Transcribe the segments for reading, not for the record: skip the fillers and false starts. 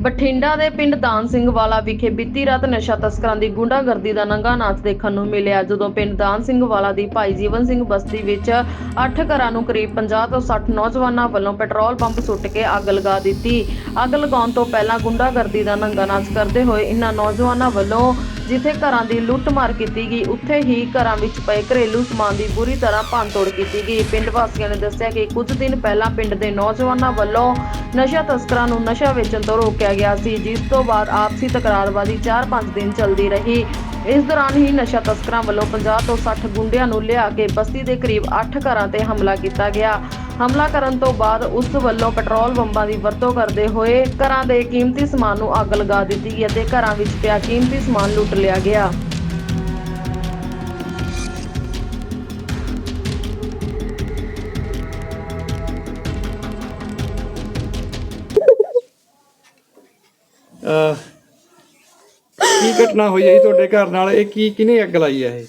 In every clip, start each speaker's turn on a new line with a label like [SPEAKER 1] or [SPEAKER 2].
[SPEAKER 1] ਬਠਿੰਡਾ ਦੇ ਪਿੰਡ ਦਾਨ ਸਿੰਘ ਵਾਲਾ ਵਿਖੇ ਬੀਤੀ ਰਾਤ ਨਸ਼ਾ ਤਸਕਰਾਂ ਦੀ ਗੁੰਡਾਗਰਦੀ ਦਾ ਨੰਗਾ ਨਾਚ ਦੇਖਣ ਨੂੰ ਮਿਲਿਆ। ਜਦੋਂ ਪਿੰਡ ਦਾਨ ਸਿੰਘ ਵਾਲਾ ਦੀ ਭਾਈ ਜੀਵਨ ਸਿੰਘ ਬਸਤੀ ਵਿੱਚ 8 ਘਰਾਂ ਨੂੰ ਕਰੀਬ 50 ਤੋਂ 60 ਨੌਜਵਾਨਾਂ ਵੱਲੋਂ ਪੈਟਰੋਲ ਪੰਪ ਸੁੱਟ ਕੇ ਅੱਗ ਲਗਾ ਦਿੱਤੀ। ਅੱਗ ਲਗਾਉਣ ਤੋਂ ਪਹਿਲਾਂ ਗੁੰਡਾਗਰਦੀ ਦਾ ਨੰਗਾ ਨਾਚ ਕਰਦੇ ਹੋਏ ਇਨ੍ਹਾਂ ਨੌਜਵਾਨਾਂ ਵੱਲੋਂ ਜਿੱਥੇ ਘਰਾਂ ਦੀ ਲੁੱਟ-ਮਾਰ ਕੀਤੀ ਗਈ, ਉੱਥੇ ਹੀ ਘਰਾਂ ਵਿੱਚ ਪਏ ਘਰੇਲੂ ਸਮਾਨ ਦੀ ਬੁਰੀ ਤਰ੍ਹਾਂ ਭੰਨ-ਤੋੜ ਕੀਤੀ ਗਈ। ਪਿੰਡ ਵਾਸੀਆਂ ਨੇ ਦੱਸਿਆ ਕਿ ਕੁਝ ਦਿਨ ਪਹਿਲਾਂ ਪਿੰਡ ਦੇ ਨੌਜਵਾਨਾਂ ਵੱਲੋਂ ਨਸ਼ਾ ਤਸਕਰਾਂ ਨੂੰ ਨਸ਼ਾ ਵੇਚਣ ਤੋਂ ਰੋਕਿਆ ਗਿਆ ਸੀ, ਜਿਸ ਤੋਂ ਬਾਅਦ ਆਪਸੀ ਤਕਰਾਰਬਾਜ਼ੀ 4-5 ਦਿਨ ਚੱਲਦੀ ਰਹੀ। ਇਸ ਦੌਰਾਨ ਹੀ ਨਸ਼ਾ ਤਸਕਰਾਂ ਵੱਲੋਂ 50 ਤੋਂ 60 ਗੁੰਡਿਆਂ ਨੂੰ ਲਿਆ ਕੇ ਬਸਤੀ ਦੇ ਕਰੀਬ 8 ਘਰਾਂ ਤੇ ਹਮਲਾ ਕੀਤਾ ਗਿਆ। ਹਮਲਾ ਕਰਨ ਤੋਂ ਬਾਅਦ ਉਸ ਵੱਲੋਂ ਪੈਟਰੋਲ ਬੰਬਾਂ ਦੀ ਵਰਤੋਂ ਕਰਦੇ ਹੋਏ ਘਰਾਂ ਦੇ ਕੀਮਤੀ ਸਮਾਨ ਨੂੰ ਅੱਗ ਲਗਾ ਦਿੱਤੀ ਗਈ ਅਤੇ ਘਰਾਂ ਵਿੱਚ ਪਿਆ ਕੀਮਤੀ ਸਮਾਨ ਲੁੱਟ ਲਿਆ ਗਿਆ।
[SPEAKER 2] ਕੀ ਘਟਨਾ ਹੋਈ ਹੈ ਜੀ ਤੁਹਾਡੇ ਘਰ ਨਾਲ? ਇਹ ਕਿਹਨੇ ਅੱਗ ਲਾਈ ਹੈ?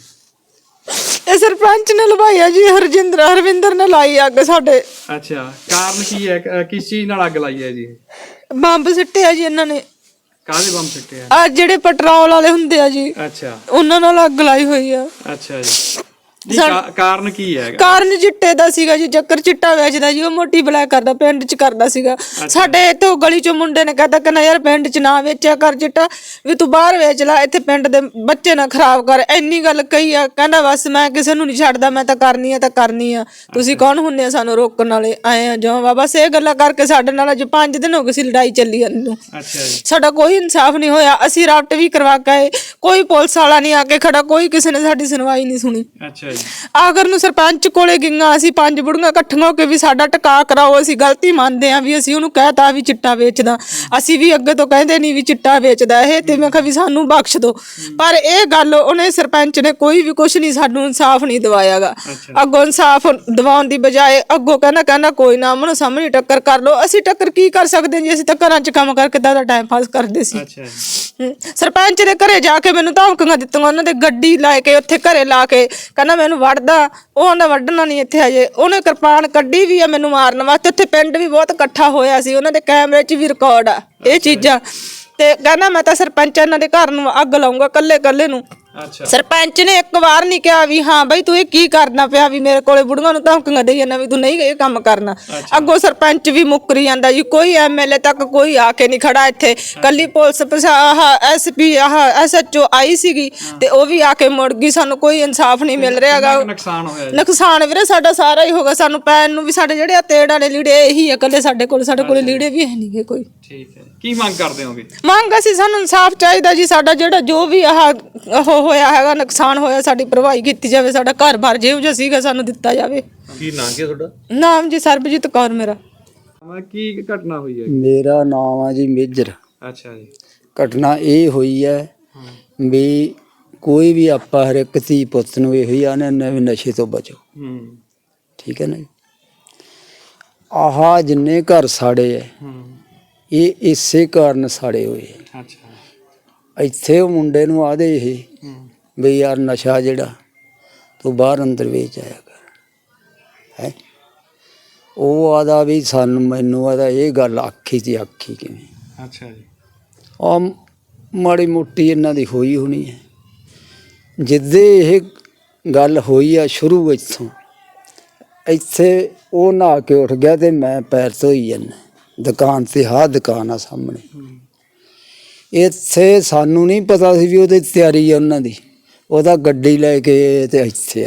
[SPEAKER 3] ਇਹ ਸਰਪੰਚ ਨੇ ਲਵਾਈ ਹੈ ਜੀ, ਹਰਵਿੰਦਰ ਨੇ ਲਾਈ ਅੱਗ ਸਾਡੇ।
[SPEAKER 2] ਅੱਛਾ, ਕਾਰਨ ਕੀ ਹੈ? ਕਿਸ ਚੀਜ਼ ਨਾਲ ਅੱਗ ਲਾਈ ਹੈ ਜੀ?
[SPEAKER 3] ਬੰਬ ਸਿੱਟਿਆ ਜੀ ਇਹਨਾਂ ਨੇ।
[SPEAKER 2] ਕਾਹਦੇ ਬੰਬ ਸਿੱਟੇ ਆ?
[SPEAKER 3] ਆ ਜਿਹੜੇ ਪੈਟਰੋਲ ਵਾਲੇ ਹੁੰਦੇ ਆ ਜੀ,
[SPEAKER 2] ਅੱਛਾ,
[SPEAKER 3] ਉਹਨਾਂ ਨਾਲ ਅੱਗ ਲਾਈ ਹੋਈ ਆ।
[SPEAKER 2] ਅੱਛਾ ਜੀ, ਕਾਰਨ ਕੀ ਹੈ?
[SPEAKER 3] ਕਾਰਨ ਚਿੱਟੇ ਦਾ ਸੀਗਾ ਜੀ, ਚੱਕਰ ਚਿੱਟਾ ਵੇਚਦਾ ਜੀ, ਉਹ ਮੋਟੀ ਬਲੈਕ ਕਰਦਾ, ਪਿੰਡ ਚ ਕਰਦਾ ਸੀਗਾ। ਸਾਡੇ ਇੱਥੇ ਗਲੀ ਚੋਂ ਮੁੰਡੇ ਨੇ ਕਹਿੰਦਾ ਕਿ ਨਾ ਯਾਰ ਪਿੰਡ ਚ ਨਾ ਵੇਚਿਆ ਕਰ ਚਿੱਟਾ, ਵੀ ਤੂੰ ਬਾਹਰ ਵੇਚ ਲੈ, ਇੱਥੇ ਪਿੰਡ ਦੇ ਬੱਚੇ ਨਾ ਖਰਾਬ ਕਰ। ਇੰਨੀ ਗੱਲ ਕਹੀ ਆ। ਕਹਿੰਦਾ ਬਸ ਮੈਂ ਕਿਸੇ ਨੂੰ ਨਹੀਂ ਛੱਡਦਾ, ਮੈਂ ਤਾਂ ਕਰਨੀ ਆ ਤਾਂ ਕਰਨੀ ਆ, ਤੁਸੀਂ ਕੌਣ ਹੁੰਦੇ ਆ ਸਾਨੂੰ ਰੋਕਣ ਵਾਲੇ? ਆਏ ਆ ਜੋ ਬਸ ਇਹ ਗੱਲਾਂ ਕਰਕੇ ਸਾਡੇ ਨਾਲ ਅੱਜ 5 ਦਿਨ ਹੋ ਗਏ ਸੀ ਲੜਾਈ ਚੱਲੀ ਜਾਂਦੀ ਨੂੰ। ਸਾਡਾ ਕੋਈ ਇਨਸਾਫ ਨਹੀਂ ਹੋਇਆ। ਅਸੀਂ ਰਾਬਟ ਵੀ ਕਰਵਾ ਕੇ, ਕੋਈ ਪੁਲਿਸ ਵਾਲਾ ਨਹੀਂ ਆ ਕੇ ਖੜਾ, ਕੋਈ ਕਿਸੇ ਨੇ ਸਾਡੀ ਸੁਣਵਾਈ ਨਹੀਂ ਸੁਣੀ। ਆਖਰ ਨੂੰ ਸਰਪੰਚ ਕੋਲੇ ਗਈਆਂ ਅਸੀਂ 5 ਬੁੜੀਆਂ ਇਕੱਠੀਆਂ ਹੋ ਕੇ ਵੀ ਸਾਡਾ ਟਿਕਾ ਕਰਾਓ, ਅਸੀਂ ਗਲਤੀ ਮੰਨਦੇ ਆ ਵੀ ਅਸੀਂ ਉਹਨੂੰ ਕਹਿਤਾ ਵੀ ਚਿੱਟਾ ਵੇਚਦਾ, ਅਸੀਂ ਵੀ ਅੱਗੇ ਤੋਂ ਕਹਿੰਦੇ ਨਹੀਂ ਵੀ ਚਿੱਟਾ ਵੇਚਦਾ ਇਹ, ਤੇ ਮੈਂ ਕਿਹਾ ਵੀ ਸਾਨੂੰ ਬਖਸ਼ ਦਿਓ। ਪਰ ਇਹ ਗੱਲ ਉਹਨੇ ਸਰਪੰਚ ਨੇ ਕੋਈ ਵੀ ਕੁਛ ਨਹੀਂ, ਸਾਨੂੰ ਇਨਸਾਫ ਨਹੀਂ ਦਵਾਇਆਗਾ। ਅੱਗੋਂ ਇਨਸਾਫ ਦਵਾਉਣ ਦੀ ਬਜਾਏ ਅੱਗੋਂ ਕਹਿੰਦਾ ਕੋਈ ਨਾ ਮਨੋਂ ਸਾਹਮਣੇ ਟੱਕਰ ਕਰ ਲਓ। ਅਸੀਂ ਟੱਕਰ ਕੀ ਕਰ ਸਕਦੇ ਜੀ? ਅਸੀਂ ਤਾਂ ਘਰਾਂ 'ਚ ਕੰਮ ਕਰਕੇ ਦਾ ਟਾਈਮ ਪਾਸ ਕਰਦੇ ਸੀ। ਸਰਪੰਚ ਦੇ ਘਰੇ ਜਾ ਕੇ ਮੈਨੂੰ ਧਮਕੀਆਂ ਦਿੱਤੀਆਂ, ਉਹਨਾਂ ਦੇ ਗੱਡੀ ਲੈ ਕੇ ਉੱਥੇ ਘਰੇ ਲਾ ਕੇ ਕਹਿੰਦਾ ਮੈਨੂੰ ਵੜਦਾ, ਉਹਨੇ ਵੱਢਣਾ ਨਹੀਂ ਇੱਥੇ ਹਜੇ। ਉਹਨੇ ਕਿਰਪਾਨ ਕੱਢੀ ਵੀ ਆ ਮੈਨੂੰ ਮਾਰਨ ਵਾਸਤੇ। ਉੱਥੇ ਪਿੰਡ ਵੀ ਬਹੁਤ ਇਕੱਠਾ ਹੋਇਆ ਸੀ, ਉਹਨਾਂ ਦੇ ਕੈਮਰੇ 'ਚ ਵੀ ਰਿਕਾਰਡ ਆ ਇਹ ਚੀਜ਼ਾਂ। ਤੇ ਕਹਿੰਦਾ ਮੈਂ ਤਾਂ ਸਰਪੰਚ ਇਹਨਾਂ ਦੇ ਘਰ ਨੂੰ ਅੱਗ ਲਾਉਂਗਾ ਕੱਲੇ ਨੂੰ। ਸਰਪੰਚ ਨੇ ਇੱਕ ਵਾਰ ਨਹੀਂ ਕਿਹਾ ਵੀ ਹਾਂ ਬਈ ਤੂੰ ਇਹ ਕੀ ਕਰਨਾ ਪਿਆ, ਵੀ ਮੇਰੇ ਕੋਲੇ ਬੁੜੀਆਂ ਨੂੰ ਧਮਕੀਆਂ ਦੇਈ ਜਾਂਦਾ ਵੀ ਤੂੰ ਨਹੀਂ ਇਹ ਕੰਮ ਕਰਨਾ। ਅੱਗੋਂ ਸਰਪੰਚ ਵੀ ਮੁੱਕਰੀ ਜਾਂਦਾ ਜੀ, ਕੋਈ ਐਮਐਲਏ ਤੱਕ ਕੋਈ ਆ ਕੇ ਨਹੀਂ ਖੜਾ ਇੱਥੇ। ਕੱਲੀ ਪੁਲਿਸ ਐਸਪੀ SHO ਆਈ ਸੀਗੀ ਤੇ ਉਹ ਵੀ ਆ ਕੇ ਮੁੜ ਗਈ। ਸਾਨੂੰ ਕੋਈ ਇਨਸਾਫ ਨਹੀਂ ਮਿਲ ਰਿਹਾਗਾ। ਨੁਕਸਾਨ ਵੀਰੇ ਸਾਡਾ ਸਾਰਾ ਹੀ ਹੋਗਾ। ਸਾਨੂੰ ਪੈਣ ਨੂੰ ਵੀ ਸਾਡੇ ਜਿਹੜੇ ਆ ਤੇੜ ਵਾਲੇ ਲੀੜੇ ਇਹੀ ਆ ਕੱਲੇ ਸਾਡੇ ਕੋਲ ਲੀੜੇ ਵੀ ਹੈ ਨਹੀਂਗੇ ਕੋਈ।
[SPEAKER 2] ਠੀਕ ਹੈ, ਕੀ ਮੰਗ ਕਰਦੇ ਹੋਗੇ?
[SPEAKER 3] ਮੰਗ ਅਸੀਂ ਸਾਨੂੰ ਇਨਸਾਫ ਚਾਹੀਦਾ ਜੀ। ਸਾਡਾ ਜਿਹੜਾ ਜੋ ਵੀ ਹੋਇਆ ਹੈਗਾ, ਨੁਕਸਾਨ ਹੋਇਆ, ਸਾਡੀ ਭਰਵਾਈ ਕੀਤੀ ਜਾਵੇ। ਸਾਡਾ ਘਰ-ਬਾਰ ਜਿਹੋ ਜਿਹਾ ਸੀਗਾ ਸਾਨੂੰ ਦਿੱਤਾ ਜਾਵੇ।
[SPEAKER 2] ਕੀ ਨਾਮ ਹੈ ਤੁਹਾਡਾ?
[SPEAKER 3] ਨਾਮ ਜੀ ਸਰਬਜੀਤ ਕੌਰ ਮੇਰਾ।
[SPEAKER 2] ਕੀ ਘਟਨਾ ਹੋਈ ਹੈ?
[SPEAKER 4] ਮੇਰਾ ਨਾਮ ਆ ਜੀ ਮੇਜਰ।
[SPEAKER 2] ਅੱਛਾ ਜੀ।
[SPEAKER 4] ਘਟਨਾ ਇਹ ਹੋਈ ਹੈ ਵੀ ਕੋਈ ਵੀ ਆਪਾਂ ਹਰ ਇੱਕ ਧੀ ਪੁੱਤ ਨੂੰ ਇਹੋ ਹੀ ਆਨੇ ਵੀ ਨਸ਼ੇ ਤੋਂ ਬਚੋ। ਠੀਕ ਹੈ ਨਾ ਜੀ। ਆਹ ਜਿੰਨੇ ਘਰ ਸਾੜੇ ਹੈ ਇਹ ਇਸੇ ਕਾਰਨ ਸਾੜੇ ਹੋਏ। ਇੱਥੇ ਉਹ ਮੁੰਡੇ ਨੂੰ ਆਦੇ ਇਹ ਵੀ ਯਾਰ ਨਸ਼ਾ ਜਿਹੜਾ ਤੂੰ ਬਾਹਰ ਅੰਦਰ ਵੇਚ ਆਇਆ ਕਰ ਹੈ। ਉਹ ਆਦਾ ਵੀ ਮੈਨੂੰ ਆਦਾ ਇਹ ਗੱਲ ਆਖੀ ਤੇ ਆਖੀ ਕਿਵੇਂ?
[SPEAKER 2] ਅੱਛਾ ਜੀ।
[SPEAKER 4] ਆ ਮਾੜੀ ਮੋਟੀ ਇਹਨਾਂ ਦੀ ਹੋਈ ਹੋਣੀ ਹੈ। ਜਿੱਦੇ ਇਹ ਗੱਲ ਹੋਈ ਆ ਸ਼ੁਰੂ ਇੱਥੋਂ, ਇੱਥੇ ਉਹ ਨਹਾ ਕੇ ਉੱਠ ਗਿਆ ਤੇ ਮੈਂ ਪੈਰ ਧੋਈ ਜਾਂਦਾ ਦੁਕਾਨ ਤੇ। ਦੁਕਾਨ ਆ ਸਾਹਮਣੇ। ਇੱਥੇ ਸਾਨੂੰ ਨਹੀਂ ਪਤਾ ਸੀ ਵੀ ਉਹਦੀ ਤਿਆਰੀ ਆ ਉਹਨਾਂ ਦੀ। ਉਹਦਾ ਗੱਡੀ ਲੈ ਕੇ ਤੇ ਇੱਥੇ